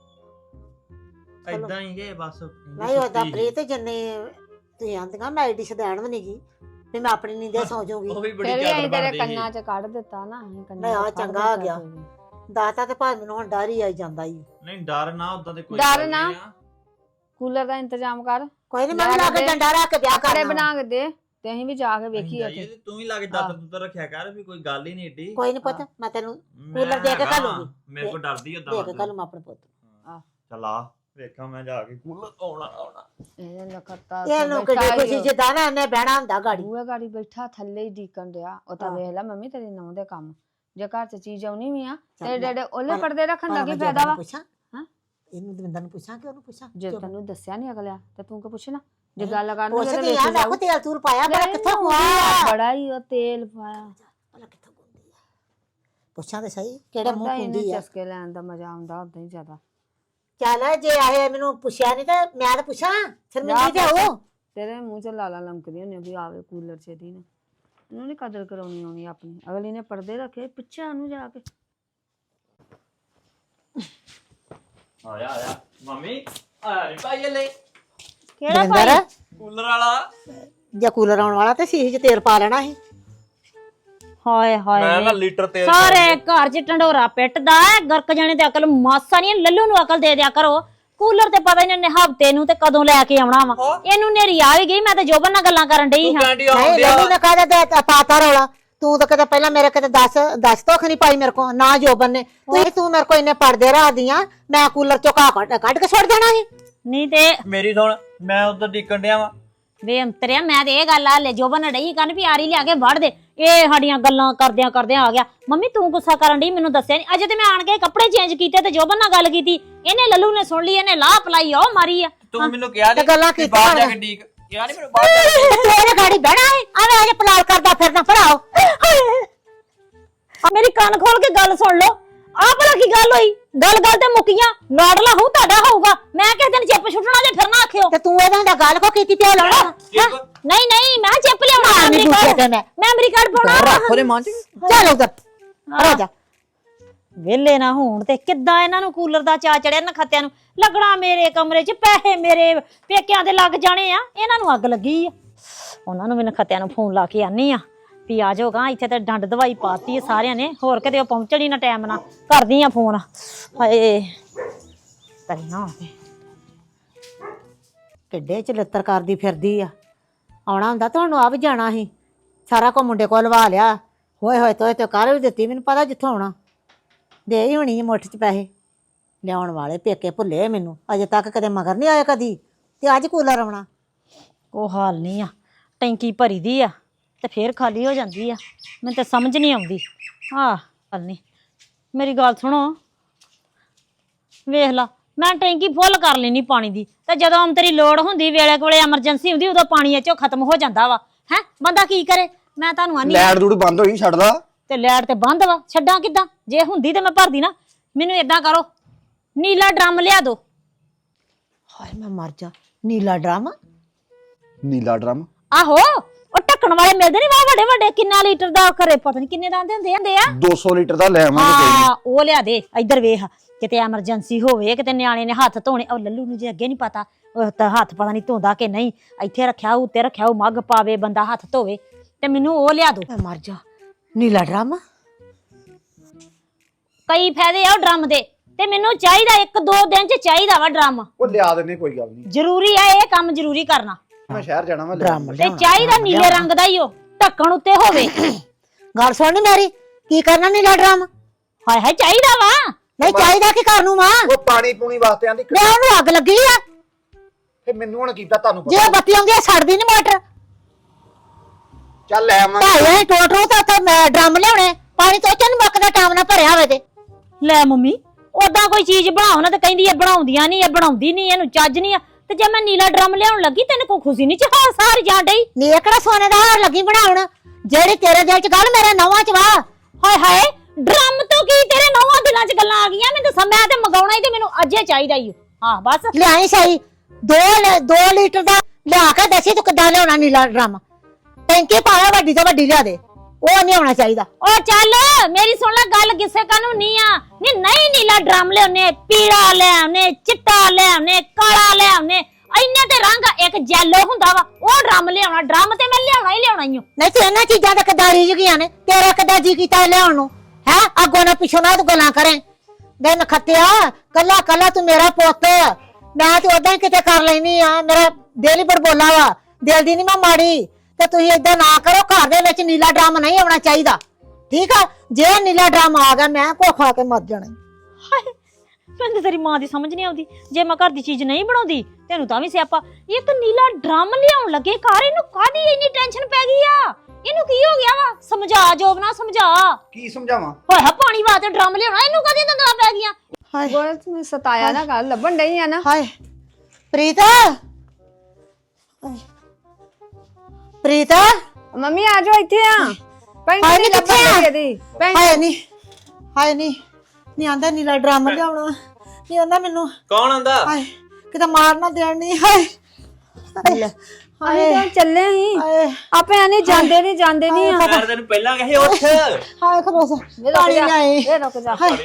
[SPEAKER 3] ਇਦਾਂ ਹੀ ਗਏ ਬਸ।
[SPEAKER 5] ਨਹੀਂ ਉਹਦਾ ਪ੍ਰੀਤ ਜਿੰਨੇ ਤੁਸੀਂ ਆਂਦੀਆਂ ਮੈਂ ਐਡੀ ਸ਼ਦੈਣ ਵੀ ਨਹੀਂਗੀ ਵੀ ਮੈਂ ਆਪਣੀ ਨੀਂਦੇ ਸੌ ਜਾਊਂਗੀ।
[SPEAKER 3] ਉਹ ਵੀ ਬੜੀ
[SPEAKER 4] ਫਿਰ ਵੀ
[SPEAKER 3] ਚਾਦਰ
[SPEAKER 4] ਅਸੀਂ ਤੇਰੇ
[SPEAKER 3] ਬਣਦੀ ਸੀ।
[SPEAKER 4] ਕੰਨਾਂ 'ਚ ਕੱਢ ਦਿੱਤਾ ਨਾ, ਅਸੀਂ ਕੰਨਾਂ
[SPEAKER 5] ਨਹੀਂ, ਆਹ
[SPEAKER 4] 'ਚ ਕੱਢ
[SPEAKER 5] ਚੰਗਾ ਆ
[SPEAKER 4] ਦਿੱਤਾ
[SPEAKER 5] ਗਿਆ।
[SPEAKER 4] ਕੋਈ ਵੀ।
[SPEAKER 5] ਦਾਤਾ ਤੇ ਭਾਵੇਂ ਮੈਨੂੰ ਹੁਣ ਡਰ ਹੀ ਆਈ ਜਾਂਦਾ ਈ।
[SPEAKER 3] ਨਹੀਂ ਡਰ ਨਾ ਉਦਾਂ ਤੇ ਕੋਈ
[SPEAKER 4] ਡਰ
[SPEAKER 3] ਗੱਲ
[SPEAKER 4] ਨਾ।
[SPEAKER 3] ਨਹੀਂ ਆ।
[SPEAKER 4] ਕੂਲਰ ਦਾ ਇੰਤਜ਼ਾਮ ਕਰ,
[SPEAKER 5] ਕੋਈ ਨਹੀਂ, ਮੈਂ ਲਾ ਕੇ ਡੰਡਾ ਰੱਖ ਕੇ ਵਿਆਹ
[SPEAKER 4] ਕੱਪੜੇ
[SPEAKER 5] ਕਰਨਾ।
[SPEAKER 4] ਬਣਾ ਕੇ ਦੇ ਤੇ ਅਸੀਂ ਵੀ ਜਾ ਕੇ
[SPEAKER 3] ਅਸੀਂ
[SPEAKER 4] ਵੇਖੀਏ
[SPEAKER 3] ਜਾਈਏ
[SPEAKER 4] ਉੱਥੇ।
[SPEAKER 3] ਤੇ ਤੂੰ ਹੀ ਲਾ ਕੇ ਦਾਤਰ ਦੂਤਰ ਰੱਖਿਆ ਕਰ, ਵੀ ਕੋਈ ਗੱਲ ਹੀ ਨਹੀਂ ਏਡੀ।
[SPEAKER 5] ਕੋਈ ਨਹੀਂ ਪੁੱਤ, ਮੈਂ ਤੈਨੂੰ
[SPEAKER 3] ਮੈਂ
[SPEAKER 5] ਕੂਲਰ ਦੇ ਕੇ
[SPEAKER 3] ਹੈਗਾ,
[SPEAKER 5] ਘੱਲੂਗੀ।
[SPEAKER 3] ਮੇਰੇ ਕੋਲ ਡਰਦੀ
[SPEAKER 5] ਦੇ
[SPEAKER 3] ਉਦਾਂ
[SPEAKER 5] ਕੇ ਕੱਲ ਮੈਂ ਆਪਣੇ ਪੁੱਤ
[SPEAKER 3] ਚੱਲ ਆ ਵੇਖਾਂ ਮੈਂ ਜਾ ਕੇ ਕੂਲਰ ਆਉਣਾ।
[SPEAKER 4] ਇਹ ਲਖਤਾ
[SPEAKER 5] ਇਹਨੂੰ ਕਿੱਡੀ ਖੁਸ਼ੀ ਜਿੱਦਾਂ ਨਾ ਇਹਨੇ ਬਹਿਣਾ ਹੁੰਦਾ ਗਾੜੀ।
[SPEAKER 4] ਬੂਹੇ ਗਾੜੀ ਬੈਠਾ ਥੱਲੇ ਹੀ ਡੀਕਣ ਡਿਆ। ਉਹ ਤਾਂ
[SPEAKER 5] ਹਾਂ।
[SPEAKER 4] ਵੇਖ ਲੈ ਮੰਮੀ ਤੇਰੀ ਨੌਂ ਦੇ ਕੰਮ, ਜੇ ਘਰ 'ਚ ਚੀਜ਼ ਆਉਣੀ ਵੀ ਆ ਤੇ
[SPEAKER 5] ਚੱਲ
[SPEAKER 4] ਡੇਡੇ ਉਹਲੇ
[SPEAKER 5] ਪਰ-
[SPEAKER 4] ਪਰਦੇ ਰੱਖਣ ਦਾ
[SPEAKER 5] ਪਰ
[SPEAKER 4] ਕੀ
[SPEAKER 5] ਮੈਂ
[SPEAKER 4] ਫਾਇਦਾ
[SPEAKER 5] ਜੋਬਨ
[SPEAKER 4] ਵਾ?
[SPEAKER 5] ਨੂੰ ਪੁੱਛਾਂ?
[SPEAKER 4] ਹਾਂ?
[SPEAKER 5] ਇਹਨੂੰ ਦਵਿੰਦਰ ਨੂੰ ਪੁੱਛਾਂ ਕਿ ਉਹਨੂੰ ਪੁੱਛਾਂ?
[SPEAKER 4] ਜੇ
[SPEAKER 5] ਜੋਬਨ।
[SPEAKER 4] ਤੈਨੂੰ ਦੱਸਿਆ ਨਹੀਂ ਅਗਲਿਆ ਤੇ ਤੂੰ ਕਿ ਪੁੱਛਣਾ, ਜੇ
[SPEAKER 5] ਨਹੀਂ,
[SPEAKER 4] ਗੱਲ ਕਰਨੀ ਤੇ
[SPEAKER 5] ਪੁੱਛਦੀ
[SPEAKER 4] ਵੇਖ
[SPEAKER 5] ਆ, ਮੈਂ
[SPEAKER 4] ਜਾਊ।
[SPEAKER 5] ਕੋ ਤੇਲ ਤੂਲ ਪਾਇਆ ਬੜਾ
[SPEAKER 4] ਨਹੀਂ,
[SPEAKER 5] ਕਿੱਥੋਂ
[SPEAKER 4] ਉਹਦੀ
[SPEAKER 5] ਪਾਇਆ?
[SPEAKER 4] ਬੜਾ ਹੀ ਉਹ ਤੇਲ ਪਾਇਆ।
[SPEAKER 5] ਭਲਾ ਕਿੱਥੋਂ ਗੁੰਦੀ ਆ? ਪੁੱਛਾਂ ਤੇ ਸਹੀ ਕਿਹੜੇ ਮੂੰਹ
[SPEAKER 4] ਉਹਦਾ ਹੀ
[SPEAKER 5] ਗੁੰਦੀ ਆ?
[SPEAKER 4] ਚਸਕੇ ਲੈਣ ਦਾ ਮਜ਼ਾ ਆਉਂਦਾ ਉਦਾਂ ਹੀ ਜ਼ਿਆਦਾ।
[SPEAKER 5] ਚੱਲ ਜੇ ਆਏ ਮੈਨੂੰ ਪੁੱਛਿਆ ਨਹੀਂ ਤੇ ਮੈਂ ਤਾਂ ਪੁੱਛਾਂ ਸ਼ਰਮਿੰਦੀ ਤੇ ਹੋ।
[SPEAKER 4] ਤੇਰੇ ਮੂੰਹ 'ਚ ਲਾਲਾ ਲੰਕਦੀ ਹੁੰਦੀ ਵੀ ਆਵੇ ਕੂਲਰ 'ਚ ਦੀ ਨੇ। ਇਹਨੂੰ ਨਹੀਂ ਕਦਰ ਕਰਾਉਣੀ ਆਉਣੀ ਆਪਣੀ। ਅਗਲੀ ਨੇ ਪਰਦੇ ਰੱਖੇ ਪਿੱਛੇ ਨੂੰ ਜਾ ਕੇ।
[SPEAKER 3] ਆਇਆ ਮੰਮੀ ਆ ਨਹੀਂ ਭਾਈ ਲੈ
[SPEAKER 1] ਕਿਹੜਾ
[SPEAKER 5] ਦਵਿੰਦਰ,
[SPEAKER 1] ਭਾਈ?
[SPEAKER 3] ਕੂਲਰ ਵਾਲਾ।
[SPEAKER 5] ਜੇ ਕੂਲਰ ਆਉਣ ਵਾਲਾ ਤੇ ਸੀਹੀ 'ਚ ਤੇਲ ਪਾ ਲੈਣਾ ਸੀ।
[SPEAKER 1] ਹਾਏ
[SPEAKER 3] ਮੈਂ ਨਾ
[SPEAKER 1] ਹਾਏ
[SPEAKER 3] ਲੀਟਰ ਤੇਲ
[SPEAKER 1] ਸਾਰੇ ਘਰ 'ਚ ਢੰਡੋਰਾ ਪਿੱਟਦਾ ਹੈ। ਗਰਕ ਜਾਣੇ ਤੇ ਅਕਲ ਮਾਸਾ ਨਹੀਂ, ਲੱਲੂ ਨੂੰ ਅਕਲ ਦੇ ਦਿਆ ਕਰੋ। ਕੂਲਰ ਤੇ ਪਤਾ ਨਹੀਂ ਹਫਤੇ ਨੂੰ ਤੇ ਕਦੋਂ ਲੈ ਕੇ ਆਉਣਾ ਵਾ। ਇਹਨੂੰ ਨੇਰੀ ਆ ਵੀ ਗਈ। ਮੈਂ ਤੇ ਜੋਬਨ ਨਾਲ ਗੱਲਾਂ ਕਰਨ ਡਈ ਹਾਂ।
[SPEAKER 3] ਕੈਂਡੀ
[SPEAKER 5] ਨਹੀਂ
[SPEAKER 3] ਆਉਂਦੀ ਆ।
[SPEAKER 5] ਲੱਲੂ ਨੇ ਕਾਹਦਾ ਦੇ ਪਾਤਾ ਰੌਲਾ? ਤੂੰ ਤਾਂ ਕਦੇ ਪਹਿਲਾਂ ਮੇਰੇ ਕਦੇ 10 ਤੋਖ ਨਹੀਂ ਪਾਈ ਮੇਰੇ ਕੋ ਨਾ ਜੋਬਨ ਨੇ। ਤੂੰ ਮੇਰੇ ਕੋ ਇੰਨੇ ਪੜਦੇ ਰੱਖਦੀਆਂ, ਮੈਂ ਕੂਲਰ ਚੋਂ ਘਾਹ ਕੱਢ ਕੇ ਸੁੱਟ ਦੇਣਾ ਸੀ।
[SPEAKER 1] ਨਹੀਂ ਤੇ
[SPEAKER 3] ਮੇਰੀ ਸੁਣ, ਮੈਂ ਉਧਰ ਡਿੱਕਣ ਡਿਆ ਵਾ।
[SPEAKER 1] ਵੇ ਅੰਤਰਿਆ, ਮੈਂ ਤੇ ਇਹ ਗੱਲ ਆ ਲੈ ਜੋਬਨ ਨੇ ਡਈ ਕਰਨ ਵੀ ਆਰੀ ਲਿਆ ਕੇ ਵੜ ਦੇ। ਇਹ ਸਾਡੀਆਂ ਗੱਲਾਂ ਕਰਦਿਆਂ ਕਰਦਿਆਂ ਆ ਗਿਆ। ਮੰਮੀ ਤੂੰ ਗੁੱਸਾ ਕਰਨ ਡਈ, ਮੈਨੂੰ ਦੱਸਿਆ ਨਹੀਂ। ਅਜੇ ਤੇ ਮੈਂ ਆਣ ਕੇ ਕੱਪੜੇ ਚੇਂਜ ਕੀਤੇ ਤੇ ਜੋਬਨ ਨਾਲ ਗੱਲ ਕੀਤੀ। ਇਹਨੇ ਲੱਲੂ ਨੇ ਸੁਣ ਲਈ, ਇਹਨੇ ਲਾਹ ਪਲਾਈ ਉਹ ਮਾਰੀ ਆ।
[SPEAKER 3] ਤੂੰ ਮੈਨੂੰ ਕਿਹਾ
[SPEAKER 5] ਤੇ
[SPEAKER 3] ਨਹੀਂ
[SPEAKER 5] ਗੱਲਾਂ
[SPEAKER 3] ਕਿ
[SPEAKER 5] ਕੀਤੀਆਂ
[SPEAKER 3] ਬਾਹਰ ਜਾ ਕੇ
[SPEAKER 5] ਹੋਣੀਆਂ।
[SPEAKER 3] ਡੀਕ ਕਿਹਾ ਨਹੀਂ ਮੈਨੂੰ ਬਾਹਰ ਜਾ ਕੇ।
[SPEAKER 5] ਤੇਰੇ ਗਾੜੀ ਬਹਿਣਾ ਹੈ ਆਵੇਂ ਅਜੇ ਪਲਾਲ ਕਰਦਾ ਫਿਰਦਾ ਭਰਾਓ।
[SPEAKER 1] ਆ ਮੇਰੀ ਕੰਨ ਖੋਲ ਕੇ ਗੱਲ ਸੁਣ ਲਓ। ਆਹ ਭਲਾ ਕੀ ਗੱਲ ਹੋਈ? ਗੱਲ ਤੇ ਮੁੱਕੀਆਂ। ਲਾਡਲਾ ਹੋਊ ਤੁਹਾਡਾ ਹੋਊਗਾ। ਮੈਂ ਕਿਸੇ ਦਿਨ ਚਿੱਪ ਛੁੱਟਣਾ ਜੇ ਫਿਰ ਨਾ ਆਖਿਓ।
[SPEAKER 5] ਤੇ ਤੂੰ ਇਹਦਾ ਹੁੰਦਾ ਗੱਲ ਕੋ ਕੀਤੀ ਤੇ ਲਾਉਣਾ
[SPEAKER 1] ਨਹੀਂ ਮੈਂ ਚਿੱਪ ਲਿਆਉਣਾ।
[SPEAKER 5] ਨਹੀਂ ਦੂਜੇ ਦਿਨ
[SPEAKER 1] ਮੈਂ ਅਮਰੀਕਾ ਪਾਉਣਾ।
[SPEAKER 3] ਰੱਖੋ ਦੇ ਮਾਂ ਚ।
[SPEAKER 5] ਚੱਲ ਉਧਰ ਆ ਜਾ।
[SPEAKER 1] ਵੇਲੇ ਨਾ ਹੋਣ ਤੇ ਕਿੱਦਾਂ ਇਹਨਾਂ ਨੂੰ ਕੂਲਰ ਦਾ ਚਾ ਚੜਿਆ ਨਖੱਤਿਆਂ ਨੂੰ। ਲੱਗਣਾ ਮੇਰੇ ਕਮਰੇ 'ਚ, ਪੈਸੇ ਮੇਰੇ ਪੇਕਿਆਂ ਦੇ ਲੱਗ ਜਾਣੇ ਆ। ਇਹਨਾਂ ਨੂੰ ਅੱਗ ਲੱਗੀ ਆ। ਉਹਨਾਂ ਨੂੰ ਵੀ ਨਖੱਤਿਆਂ ਨੂੰ ਫੋਨ ਲਾ ਕੇ ਆਨੀ ਆ ਵੀ ਆ ਜਾਓਗਾ। ਇੱਥੇ ਤੇ ਡੰਡ ਦਵਾਈ ਪਾਤੀ ਆ ਸਾਰਿਆਂ ਨੇ। ਹੋਰ ਕਿਤੇ ਉਹ ਪਹੁੰਚਣ ਹੀ ਨਾ ਟਾਈਮ ਨਾਲ। ਕਰਦੀ ਆ ਫੋਨ। ਹਾਏ ਤਰੀ ਨਾ ਹੋਵੇ।
[SPEAKER 5] ਕਿੱਡੇ ਚ ਲੱਤਰ ਕਰਦੀ ਫਿਰਦੀ ਆ। ਆਉਣਾ ਹੁੰਦਾ ਤੁਹਾਨੂੰ ਆ ਵੀ ਜਾਣਾ ਸੀ। ਸਾਰਾ ਕੋ ਮੁੰਡੇ ਕੋਲ ਲਵਾ ਲਿਆ। ਹੋਏ ਤੋਏ ਤੇ ਕਰ ਵੀ ਦਿੱਤੀ। ਮੈਨੂੰ ਪਤਾ ਜਿੱਥੋਂ ਆਉਣਾ ਦੇ ਹੀ ਹੋਣੀ ਮੁੱਠ ਚ ਪੈਸੇ। ਲਿਆਉਣ ਵਾਲੇ ਪੇਕੇ ਭੁੱਲੇ ਮੈਨੂੰ। ਅਜੇ ਤੱਕ ਕਦੇ ਮਗਰ ਨਹੀਂ ਆਇਆ ਕਦੀ ਤੇ ਅੱਜ ਕੂਲਰ ਆਉਣਾ।
[SPEAKER 1] ਉਹ ਹਾਲ ਨਹੀਂ ਆ। ਟੈਂਕੀ ਭਰੀ ਦੀ ਆ ਤੇ ਫੇਰ ਖਾਲੀ ਹੋ ਜਾਂਦੀ ਆ। ਮੈਨੂੰ ਤਾਂ ਸਮਝ ਨਹੀਂ ਆਉਂਦੀ। ਆਹ ਗੱਲ ਨਹੀਂ। ਮੇਰੀ ਗੱਲ ਸੁਣੋ, ਵੇਖ ਲਾ ਮੈਂ ਟੈਂਕੀ ਫੁੱਲ ਕਰ ਲੈਣੀ ਪਾਣੀ ਦੀ ਤੇ ਜਦੋਂ ਤੇਰੀ ਲੋੜ ਹੁੰਦੀ, ਵੇਲੇ ਕੋਲੇ ਐਮਰਜੈਂਸੀ ਹੁੰਦੀ, ਉਦੋਂ ਪਾਣੀ ਇਹ ਚੋਂ ਖਤਮ ਹੋ ਜਾਂਦਾ ਵਾ। ਹੈ ਬੰਦਾ ਕੀ ਕਰੇ? ਮੈਂ ਤੁਹਾਨੂੰ ਆਨੀ
[SPEAKER 2] ਲੈਟ ਦੂੜ ਬੰਦ ਹੋਈ ਛੱਡਦਾ।
[SPEAKER 1] ਤੇ ਲੈਟ ਤੇ ਬੰਦ ਵਾ, ਛੱਡਾਂ ਕਿੱਦਾਂ? ਜੇ ਹੁੰਦੀ ਤੇ ਮੈਂ ਭਰਦੀ ਨਾ। ਮੈਨੂੰ ਏਦਾਂ ਕਰੋ, ਨੀਲਾ ਡਰਮ ਲਿਆ ਦੋ।
[SPEAKER 5] ਹਾਏ ਮੈਂ ਮਰ ਜਾ। ਨੀਲਾ ਡਰਮ
[SPEAKER 2] ਨੀਲਾ ਡਰਮ
[SPEAKER 1] ਆਹੋ ਉਹ ਢੱਕਣ ਵਾਲੇ ਮਿਲਦੇ ਨਹੀਂ ਵਾ ਵੱਡੇ ਵੱਡੇ, ਕਿੰਨਾ ਲੀਟਰ ਦਾ ਖਰੇ ਪਤਾ ਨਹੀਂ ਕਿੰਨੇ ਦਾ ਹੁੰਦੇ ਆ
[SPEAKER 2] 200 ਲੀਟਰ ਦਾ ਲੈ ਆਵਾਂਗੇ ਕੋਈ ਨੀ।
[SPEAKER 1] ਹਾਂ ਉਹ ਲਿਆ ਦੇ। ਇੱਧਰ ਵੇਖ, ਕਿਤੇ ਐਮਰਜੈਂਸੀ ਹੋਵੇ, ਕਿਤੇ ਨਿਆਣੇ ਨੇ ਹੱਥ ਧੋਣੇ, ਉਹ ਲੱਲੂ ਨੂੰ ਜੇ ਅੱਗੇ ਨਹੀਂ ਪਤਾ ਉਹ ਤਾਂ ਹੱਥ ਪਤਾ ਨਹੀਂ ਧੋਂਦਾ ਕਿ ਨਹੀਂ, ਇੱਥੇ ਰੱਖਿਆ ਉੱਤੇ ਰੱਖਿਆ ਉਹ ਮੱਗ ਪਾਵੇ ਬੰਦਾ ਹੱਥ ਧੋਵੇ, ਤੇ ਮੈਨੂੰ ਉਹ ਲਿਆ ਦੋ।
[SPEAKER 5] ਮੈਂ ਮਰ ਜਾ। ਨੀਲਾ ਡਰਮ
[SPEAKER 1] ਕਈ ਫਾਇਦੇ ਆ ਉਹ ਡਰਮ ਦੇ, ਤੇ ਮੈਨੂੰ ਚਾਹੀਦਾ 1-2 ਦਿਨ ਚ ਚਾਹੀਦਾ ਵਾ ਡਰਮ।
[SPEAKER 2] ਉਹ ਲਿਆ ਦਿੰਨੇ ਕੋਈ ਗੱਲ ਨਹੀਂ,
[SPEAKER 1] ਜ਼ਰੂਰੀ ਆ ਇਹ ਕੰਮ ਜ਼ਰੂਰੀ ਕਰਨਾ,
[SPEAKER 2] ਮੈਂ ਸ਼ਹਿਰ ਜਾਣਾ ਵਾ
[SPEAKER 5] ਡਰਮ
[SPEAKER 1] ਤੇ ਚਾਹੀਦਾ ਨੀਲੇ ਰੰਗ ਦਾ ਹੀ ਉਹ ਢੱਕਣ ਉੱਤੇ ਹੋਵੇ।
[SPEAKER 5] ਗੱਲ ਸੁਣ ਨੀ ਮੇਰੀ, ਕੀ ਕਰਨਾ ਨੀਲਾ ਡਰਮ?
[SPEAKER 1] ਹਾਏ ਹਾਏ ਚਾਹੀਦਾ ਵਾ।
[SPEAKER 5] ਨਹੀਂ ਚਾਹੀਦਾ ਕਿ ਘਰ ਨੂੰ ਮਾਂ
[SPEAKER 2] ਉਹ ਪਾਣੀ ਪੂਣੀ ਵਾਸਤੇ ਆਂਦੀ
[SPEAKER 5] ਮੈਂ ਉਹਨੂੰ ਅੱਗ ਲੱਗੀ ਆ,
[SPEAKER 2] ਫੇ ਮੈਨੂੰ ਹੁਣ ਕੀਤਾ ਤੁਹਾਨੂੰ
[SPEAKER 5] ਜੇ
[SPEAKER 2] ਪਤਾ।
[SPEAKER 5] ਬੱਤੀ ਆਉਂਦੀ ਆ ਛੱਡਦੀ ਨੀ ਮੋਟਰ।
[SPEAKER 2] ਚੱਲ ਲੈ ਆਵਾਂਗੇ।
[SPEAKER 5] ਭਾਈ ਟੋਟਰੋ ਤਾਂ ਉੱਥੇ ਮੈਂ ਡਰਮ ਲਿਆਉਣੇ, ਪਾਣੀ ਤੋਂ ਚੰਨ ਮੁੱਕਦਾ ਟਾਈਮ ਨਾਲ ਭਰਿਆ ਹੋਵੇ ਤੇ।
[SPEAKER 1] ਲੈ ਮੰਮੀ ਓਦਾਂ ਕੋਈ ਚੀਜ਼ ਬਣਾਓ ਨਾ ਤੇ ਕਹਿੰਦੀ ਇਹ ਬਣਾਉਂਦੀਆਂ ਨਹੀਂ, ਇਹ ਬਣਾਉਂਦੀ ਨਹੀਂ, ਇਹਨੂੰ ਚੱਜ ਨਹੀਂ ਆ, ਤੇ ਜੇ ਮੈਂ ਨੀਲਾ ਡਰਮ ਲਿਆਉਣ ਲੱਗੀ ਤੈਨੂੰ ਕੋਈ ਖੁਸ਼ੀ ਨਹੀਂ ਚਾਹ ਸਾਰ ਜਾਂ ਡਈ।
[SPEAKER 5] ਨੀ ਕਿਹੜਾ ਸੋਨੇ ਦਾ ਹਾਰ ਲੱਗੀ ਬਣਾਉਣ, ਜਿਹੜੀ ਤੇਰੇ ਦਿਲ ਚ ਗੱਲ ਮੇਰੇ ਨਵਾਂ ਚ ਵਾ।
[SPEAKER 1] ਹਾਏ ਹਾਏ ਡਰਮ ਤੋਂ ਕੀ ਤੇਰੇ ਨੌਵਾਂ ਦਿਲਾਂ 'ਚ ਗੱਲਾਂ ਆ ਗਈਆਂ? ਮੈਨੂੰ ਦੱਸ, ਮੈਂ ਤੇ ਮੰਗਾਉਣਾ ਹੀ ਤੇ ਮੈਨੂੰ ਅੱਜੇ ਚਾਹੀਦਾ ਹੀ। ਹਾਂ ਬਸ
[SPEAKER 5] ਲਿਆਈ ਸਹੀ 2 ਲੀਟਰ ਦਾ ਲਿਆ ਕੇ ਦੱਸੀ ਤੂੰ ਕਿੱਦਾਂ ਲਿਆਉਣਾ ਨੀਲਾ ਡਰਮ। ਟੈਂਕੀ ਪਾਇਆ ਵੱਡੀ ਤੋਂ ਵੱਡੀ ਲਿਆ ਦੇ, ਉਹ ਨਹੀਂ ਹੋਣਾ ਚਾਹੀਦਾ।
[SPEAKER 1] ਉਹ ਚੱਲ ਮੇਰੀ ਸੁਣ ਲੈ ਗੱਲ, ਕਿਸੇ ਕਾਨੂੰ ਨਹੀਂ ਆ ਨਹੀਂ ਨੀਲਾ ਡਰਮ ਲਿਆਉਨੇ, ਪੀਲਾ ਲਿਆਉਨੇ, ਚਿੱਟਾ ਲਿਆਉਨੇ, ਕਾਲਾ ਲਿਆਉਨੇ, ਇੰਨੇ ਤੇ ਰੰਗ ਇੱਕ ਜੈਲੋ ਹੁੰਦਾ ਵਾ, ਉਹ ਡਰਮ ਲਿਆਉਣਾ। ਡਰਮ ਤੇ ਮੈਂ ਲਿਆਉਣਾ ਹੀ ਲਿਆਉਣਾ ਹੀ।
[SPEAKER 5] ਨਹੀਂ ਤੇ ਇਹਨਾਂ ਚੀਜ਼ਾਂ ਦਾ ਕਿੱਦਾਂ ਰੀਝ ਗਈਆਂ ਨੇ, ਤੇਰਾ ਕਿੱਦਾਂ ਜੀ ਕੀਤਾ ਲਿਆਉਣ ਨੂੰ ਹੈ? ਅੱਗੋਂ ਨਾ ਪਿੱਛੋਂ ਨਾ ਤੂੰ ਗੱਲਾਂ ਕਰੇ। ਦਿਨ ਖੱਤਿਆ ਕੱਲਾ ਕੱਲਾ ਤੂੰ ਮੇਰਾ ਪੁੱਤ, ਮੈਂ ਤੇ ਉਦਾਂ ਹੀ ਕਿਤੇ ਕਰ ਲੈਣੀ ਆ, ਮੇਰਾ ਦਿਲ ਹੀ ਬੜਬੋਲਾ ਵਾ, ਦਿਲ ਦੀ ਨਹੀਂ ਮੈਂ ਮਾੜੀ। ਤੇ ਤੁਸੀਂ ਏਦਾਂ ਨਾ ਕਰੋ, ਘਰ ਦੇ ਵਿੱਚ ਨੀਲਾ ਡਰਮ ਨਹੀਂ ਆਉਣਾ ਚਾਹੀਦਾ, ਠੀਕ ਆ? ਜੇ ਨੀਲਾ ਡਰਮ ਆ ਗਿਆ ਮੈਂ ਕੋ ਖਾ ਕੇ ਮਰ ਜਾਣਾ।
[SPEAKER 1] ਹਾਏ ਮੈਨੂੰ ਤਾਂ ਤੇਰੀ ਮਾਂ ਦੀ ਸਮਝ ਨਹੀਂ ਆਉਂਦੀ, ਜੇ ਮੈਂ ਘਰ ਦੀ ਚੀਜ਼ ਨਹੀਂ ਬਣਾਉਂਦੀ ਤੈਨੂੰ ਤਾਂ ਵੀ ਸਿਆਪਾ। ਇੱਕ ਨੀਲਾ ਡਰਮ ਲਿਆਉਣ ਲੱਗੇ ਘਰ, ਇਹਨੂੰ ਕਾਹਦੀ ਇੰਨੀ ਟੈਨਸ਼ਨ ਪੈ ਗਈ ਆ? ਇਹਨੂੰ ਕੀ ਹੋ ਗਿਆ ਵਾ? ਸਮਝਾ ਜੋਬਨਾ ਸਮਝਾ।
[SPEAKER 2] ਕੀ ਸਮਝਾਵਾਂ?
[SPEAKER 1] ਹੋਇਆ ਪਾਣੀ ਵਾਸਤੇ ਡਰਮ ਲਿਆਉਣਾ, ਇਹਨੂੰ ਕਾਹਦੀਆਂ ਦੰਦਾਂ ਪੈ ਗਈਆਂ?
[SPEAKER 5] ਹਾਏ
[SPEAKER 4] ਗੋਲ ਤੂੰ ਸਤਾਇਆ ਨਾ ਕਰ, ਲੱਭਣ ਡਈ ਆ ਨਾ।
[SPEAKER 5] ਹਾਏ ਪ੍ਰੀਤ, ਪ੍ਰੀਤ
[SPEAKER 4] ਮੰਮੀ ਆ ਜਾਓ ਇੱਥੇ ਆ। ਪੈਂਟ
[SPEAKER 5] ਹਾਏ
[SPEAKER 4] ਨਹੀਂ
[SPEAKER 5] ਨੀ ਕਿੱਥੇ ਆ?
[SPEAKER 4] ਲੱਭਣ ਇਹਦੀ ਪੈਂਟ।
[SPEAKER 5] ਹਾਏ ਨਹੀਂ, ਹਾਏ ਨਹੀਂ ਆਂਦਾ ਨੀਲਾ ਡਰਮ ਲਿਆਉਣਾ ਨਹੀਂ ਆਂਦਾ ਮੈਨੂੰ।
[SPEAKER 3] ਕੌਣ ਆਂਦਾ?
[SPEAKER 5] ਹਾਏ ਕਿਤੇ ਮਾਰ ਨਾ ਦੇਣ ਨਹੀਂ। ਹਾਏ
[SPEAKER 4] ਅਸੀਂ ਤਾਂ ਚੱਲੇ ਹੀ
[SPEAKER 5] ਹਾਏ
[SPEAKER 4] ਆਪੇ ਆਨੇ ਜਾਂਦੇ ਨਹੀਂ ਆ।
[SPEAKER 3] ਮੈਂ ਤੈਨੂੰ ਪਹਿਲਾਂ ਕਹੇ ਉੱਠ।
[SPEAKER 5] ਹਾਏ ਖਲੋਸ ਪਾਣੀ ਲਿਆਏ।
[SPEAKER 4] ਇਹ ਰੁਕ ਜਾ।
[SPEAKER 5] ਹਾਏ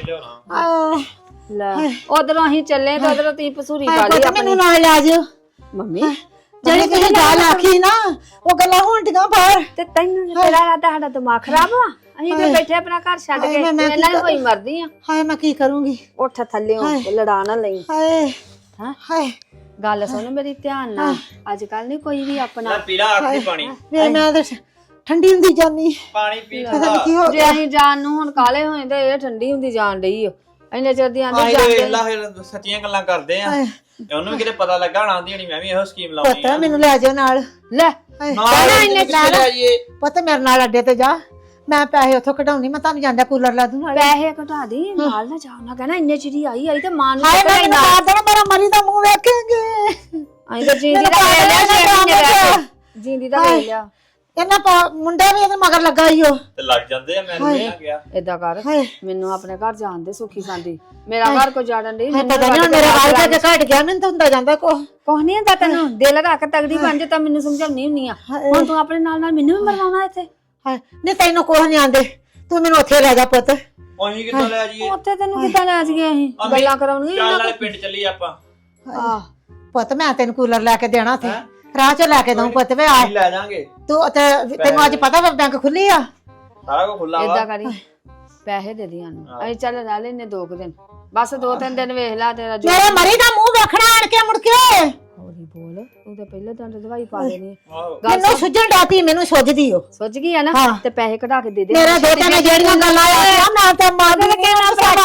[SPEAKER 4] ਲੈ ਉਧਰੋਂ ਅਸੀਂ ਚੱਲੇ ਤੇ ਉਧਰੋਂ ਤੀ ਪਸੂਰੀ
[SPEAKER 5] ਹਾਏ
[SPEAKER 4] ਪਾ ਲਈ
[SPEAKER 5] ਪੁੱਤ
[SPEAKER 4] ਆਪਣੀ।
[SPEAKER 5] ਮੈਨੂੰ ਨਾਲ ਲੈ ਜਿਓ।
[SPEAKER 4] ਮੰਮੀ
[SPEAKER 5] ਜਿਹੜੀ ਤੁਸੀਂ ਗੱਲ ਆਖੀ ਨਾ ਉਹ ਗੱਲਾਂ ਹੋਣਡੀਆਂ ਬਾਹਰ।
[SPEAKER 4] ਤੇ ਤੈਨੂੰ ਨੀ ਤੇਰਾ ਰਾਤਾ ਸਾਡਾ ਦਿਮਾਗ ਖਰਾਬ ਵਾ। ਅਸੀਂ ਤੇ ਬੈਠੇ ਆਪਣਾ ਘਰ ਛੱਡ ਕੇ
[SPEAKER 5] ਮੈਂ
[SPEAKER 4] ਇਹਨਾਂ ਨੂੰ ਹੋਈ ਮਰਦੀ ਆ।
[SPEAKER 5] ਹਾਏ ਮੈਂ ਕੀ ਕਰੂੰਗੀ?
[SPEAKER 4] ਉੱਠ ਥੱਲੇ ਲੜਾ ਨਾ ਲਈ।
[SPEAKER 5] ਹਾਏ
[SPEAKER 4] ਹਾਂ
[SPEAKER 5] ਹਾਏ
[SPEAKER 4] ਗੱਲ ਸੁਣ ਮੇਰੀ ਧਿਆਨ ਨਾਲ, ਅੱਜ ਕੱਲ ਨਹੀਂ ਕੋਈ ਵੀ ਆਪਣਾ।
[SPEAKER 3] ਪੀਲਾ ਆਖੀ ਪਾਣੀ,
[SPEAKER 5] ਵੇ ਮੈਂ ਤਾਂ ਠੰਡੀ ਹੁੰਦੀ ਜਾਨੀ।
[SPEAKER 3] ਪਾਣੀ ਪੀ
[SPEAKER 5] ਪਤਾ ਨੀ ਕੀ ਹੋ
[SPEAKER 4] ਜੇ ਅਸੀਂ ਜਾਣ ਨੂੰ ਹੁਣ ਕਾਲੇ ਹੋਏ ਤੇ ਇਹ ਠੰਡੀ ਹੁੰਦੀ ਜਾਣ ਡਈ ਓ। ਇੰਨੇ ਚਿਰ ਦੀ ਆਂਦੇ ਜਾਂਦੇ
[SPEAKER 3] ਵੇਲਾ ਫਿਰ ਸੱਚੀਆਂ ਗੱਲਾਂ ਕਰਦੇ ਆ। ਉਹਨੂੰ ਵੀ ਕਿਤੇ ਪਤਾ ਲੱਗਾ ਹੋਣਾ ਆਂਦੀ ਹੋਣੀ ਮੈਂ ਵੀ ਇਹੋ ਸਕੀਮ ਲਾਉਣੀ
[SPEAKER 5] ਪੁੱਤ ਮੈਨੂੰ ਲੈ ਜਾਓ ਨਾਲ।
[SPEAKER 4] ਲੈ
[SPEAKER 3] ਇੰਨੇ ਲੈ ਜਾਈਏ।
[SPEAKER 5] ਪੁੱਤ ਮੇਰੇ ਨਾਲ ਅੱਡੇ ਤੇ ਜਾ, ਮੈਂ ਪੈਸੇ ਉੱਥੋਂ ਕਢਾਉਣੀ, ਮੈਂ ਤੁਹਾਨੂੰ ਜਾਂਦਾ ਕੂਲਰ ਲਾ ਦੂੰ ਨਾਲ।
[SPEAKER 4] ਪੈਸੇ ਘਟਾ ਦੀ ਨਾਲ ਨਾ ਜਾਓ ਨਾ ਕਹਿਣਾ ਇੰਨੇ ਚਿਰੀ ਆਈ ਤੇ ਮਾਂ ਨੂੰ
[SPEAKER 5] ਹਾਏ
[SPEAKER 4] ਪਤਾ
[SPEAKER 5] ਮੈਂ
[SPEAKER 4] ਹੀ
[SPEAKER 5] ਨਾ
[SPEAKER 4] ਨਾ।
[SPEAKER 5] ਮਾਰ ਦੇਣਾ, ਮੇਰਾ ਮਰੀ ਦਾ ਮੂੰਹ ਵੇਖੇਂਗੇ।
[SPEAKER 4] ਅਸੀਂ ਤਾਂ ਜਿੰਦੀ ਦਾ ਵੇਖ ਲਿਆ, ਛੇ ਮਹੀਨੇ ਰਹਿ ਕੇ ਜਿੰਦੀ ਦਾ ਵੇਖ ਲਿਆ।
[SPEAKER 5] ਇਹਨਾਂ ਮੁੰਡਾ ਵੀ ਇਹਦੇ ਮਗਰ ਲੱਗਾ ਈ ਉਹ।
[SPEAKER 3] ਤੇ ਲੱਗ ਜਾਂਦੇ ਆ, ਮੈਨੂੰ ਇਹ ਨਾ ਗਿਆ।
[SPEAKER 4] ਏਦਾਂ ਕਰ
[SPEAKER 5] ਹਾਏ
[SPEAKER 4] ਮੈਨੂੰ ਆਪਣੇ ਘਰ ਜਾਣ ਦੇ ਸੁਖੀ ਸਾਂਦੀ। ਮੇਰਾ ਘਰ ਕੋ ਜਾੜਨ ਦੀ
[SPEAKER 5] ਪਤਾ ਨਹੀਂ ਹੁਣ ਮੇਰੇ ਵਾਲ ਤੇ ਘਟ ਗਿਆ, ਮੈਨੂੰ ਤਾਂ ਹੁੰਦਾ ਜਾਂਦਾ ਕੋ।
[SPEAKER 4] ਕੁਛ ਨਹੀਂ ਹੁੰਦਾ ਤੈਨੂੰ, ਦਿਲ ਰੱਖ ਤਗੜੀ ਬਣ ਜਾ ਤਾਂ ਮੈਨੂੰ ਸਮਝਾਉਣੀ ਹੁੰਨੀ ਆ। ਹੁਣ ਤੂੰ ਆਪਣੇ ਨਾਲ ਨਾਲ ਮੈਨੂੰ ਵੀ ਮਰਵਾਉਣਾ ਇੱਥੇ।
[SPEAKER 5] ਹਾਏ ਨਹੀਂ ਤੈਨੂੰ ਕੁਛ ਨਹੀਂ ਆਂਦੇ, ਤੂੰ ਮੈਨੂੰ ਉੱਥੇ ਲੈ ਜਾ ਪੁੱਤ।
[SPEAKER 3] ਉਹੀ ਕਿੱਥੋਂ ਲੈ ਜਾਈਏ?
[SPEAKER 4] ਉੱਥੇ ਤੈਨੂੰ ਕਿੱਦਾਂ ਲੈ ਜਾਈਏ ਅਸੀਂ? ਗੱਲਾਂ ਕਰਾਉਣੀਆਂ
[SPEAKER 3] ਚੱਲ ਨਾਲੇ ਪਿੰਡ ਚੱਲੀ ਆਪਾਂ।
[SPEAKER 4] ਆਹ
[SPEAKER 5] ਪੁੱਤ ਮੈਂ ਤੈਨੂੰ ਕੂਲਰ ਲੈ ਕੇ ਦੇਣਾ ਉੱਥੇ, ਰਾਹ ਚੋਂ ਲੈ ਕੇ ਦਊਂ ਪੁੱਤ। ਵੇ ਆ
[SPEAKER 3] ਲੈ ਜਾਾਂਗੇ,
[SPEAKER 5] ਤੂੰ ਤੈਨੂੰ ਅੱਜ ਪਤਾ ਵਾ ਬੈਂਕ ਖੁੱਲੀ ਆ।
[SPEAKER 3] ਸਾਰਾ ਕੁਝ ਖੁੱਲਾ ਵਾ।
[SPEAKER 4] ਏਦਾਂ ਕਰੀ ਪੈਸੇ ਦੇ ਦੀਆਂ ਨੂੰ, ਅਸੀਂ ਚੱਲ ਰਹਿ ਲੈਨੇ 2 ਦਿਨ, ਬਸ 2-3 ਦਿਨ ਵੇਖ ਲੈ ਤੇਰਾ ਜੋ।
[SPEAKER 5] ਮੇਰੇ ਮਰੀ ਦਾ ਮੂੰਹ ਵੇਖਣਾ ਆਣ ਕੇ ਮੁੜ ਕੇ।
[SPEAKER 4] ਹੌਲੀ ਬੋਲ, ਤੂੰ ਤਾਂ ਪਹਿਲਾਂ ਤਾਂ ਦਵਾਈ ਪਾ ਦੇਣੀ ਆ।
[SPEAKER 3] ਆਹੋ।
[SPEAKER 5] ਮੈਨੂੰ ਸੁਝਣ ਡਾਤੀ, ਮੈਨੂੰ ਸੁਝਦੀ ਓ।
[SPEAKER 4] ਸੁੱਜ ਗਈ ਆ ਨਾ
[SPEAKER 5] ਹਾਂ।
[SPEAKER 4] ਤੇ ਪੈਸੇ ਕਢਾ ਕੇ ਦੇ ਦੇ।
[SPEAKER 5] ਮੇਰੇ ਦੋਤਾਂ ਨੇ ਜਿਹੜੀਆਂ ਗੱਲਾਂ ਆਇਆ ਮੈਂ ਤਾਂ ਮਾਰ ਦੇ ਕੇ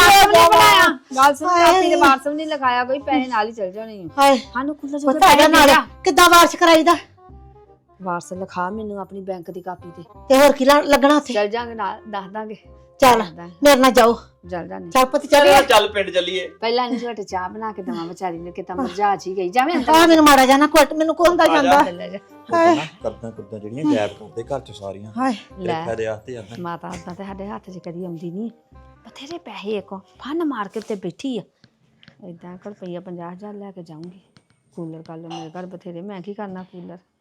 [SPEAKER 4] ਗੱਲ ਸੁਣ, ਕਾਪੀ ਦੇ ਵਾਰਸ ਨਹੀਂ ਲਿਖਾਇਆ ਕੋਈ, ਪੈਸੇ ਨਾਲ ਹੀ ਚੱਲ ਜਾਣੇ ਆ।
[SPEAKER 5] ਹਾਏ
[SPEAKER 4] ਸਾਨੂੰ ਕੁੱਲਾ
[SPEAKER 5] ਪਤਾ ਇਹਦਾ ਨਾਲ ਕਿੱਦਾਂ ਵਾਰਸ ਕਰਾਈਦਾ?
[SPEAKER 4] ਵਾਰਸ ਲਿਖਾ ਮੈਨੂੰ ਆਪਣੀ ਬੈਂਕ ਦੀ ਕਾਪੀ ਤੇ,
[SPEAKER 5] ਤੇ ਹੋਰ ਕੀ ਲੱਗਣਾ ਉੱਥੇ?
[SPEAKER 4] ਚੱਲ ਜਾਾਂਗੇ ਨਾਲ, ਦੱਸ ਦਾਂਗੇ।
[SPEAKER 5] ਚੱਲ ਮੇਰੇ ਨਾਲ ਜਾਓ,
[SPEAKER 4] ਚੱਲ ਜਾਣੀ।
[SPEAKER 5] ਚੱਲ ਪੁੱਤ ਚੱਲ।
[SPEAKER 3] ਚੱਲ ਪਿੰਡ ਚੱਲੀਏ।
[SPEAKER 4] ਪਹਿਲਾਂ ਨਹੀਂ ਝਟ ਚਾਹ ਬਣਾ ਕੇ ਦਵਾਂ ਵਿਚਾਰੀ ਨੇ, ਕਿਤਾ ਮਰਜਾ ਜੀ ਗਈ। ਜਾਵੇਂ
[SPEAKER 5] ਆ ਮੈਨੂੰ ਮਾੜਾ ਜਾਣਾ ਕੁੱਟ, ਮੈਨੂੰ ਕੋ ਹੁੰਦਾ ਜਾਂਦਾ।
[SPEAKER 3] ਕਰਦਾ ਕੁੱਦਾਂ ਜਿਹੜੀਆਂ ਗੈਪ ਕਰਦੇ ਘਰ ਚ ਸਾਰੀਆਂ।
[SPEAKER 5] ਹਾਏ
[SPEAKER 4] ਲੈ
[SPEAKER 3] ਫਾਇਦੇ ਆਸਤੇ ਜਾਂਦਾ।
[SPEAKER 4] ਮਾਤਾ ਆਦਾ ਤੇ ਸਾਡੇ ਹੱਥ 'ਚ ਕਦੀ ਆਉਂਦੀ ਨਹੀਂ। ਬਥੇਰੇ ਪੈਸੇ ਇੱਕ ਫਨ ਮਾਰ ਕੇ ਤੇ ਬੈਠੀ ਆ। ਏਦਾਂ ਕਰ ਰੁਪਈਆ 50,000 ਲੈ ਕੇ ਜਾਊਂਗੀ। ਕੂਲਰ ਕੱਲ ਮੇਰੇ ਘਰ ਬਥੇਰੇ, ਮੈਂ ਕੀ ਕਰਨਾ ਕੂਲਰ।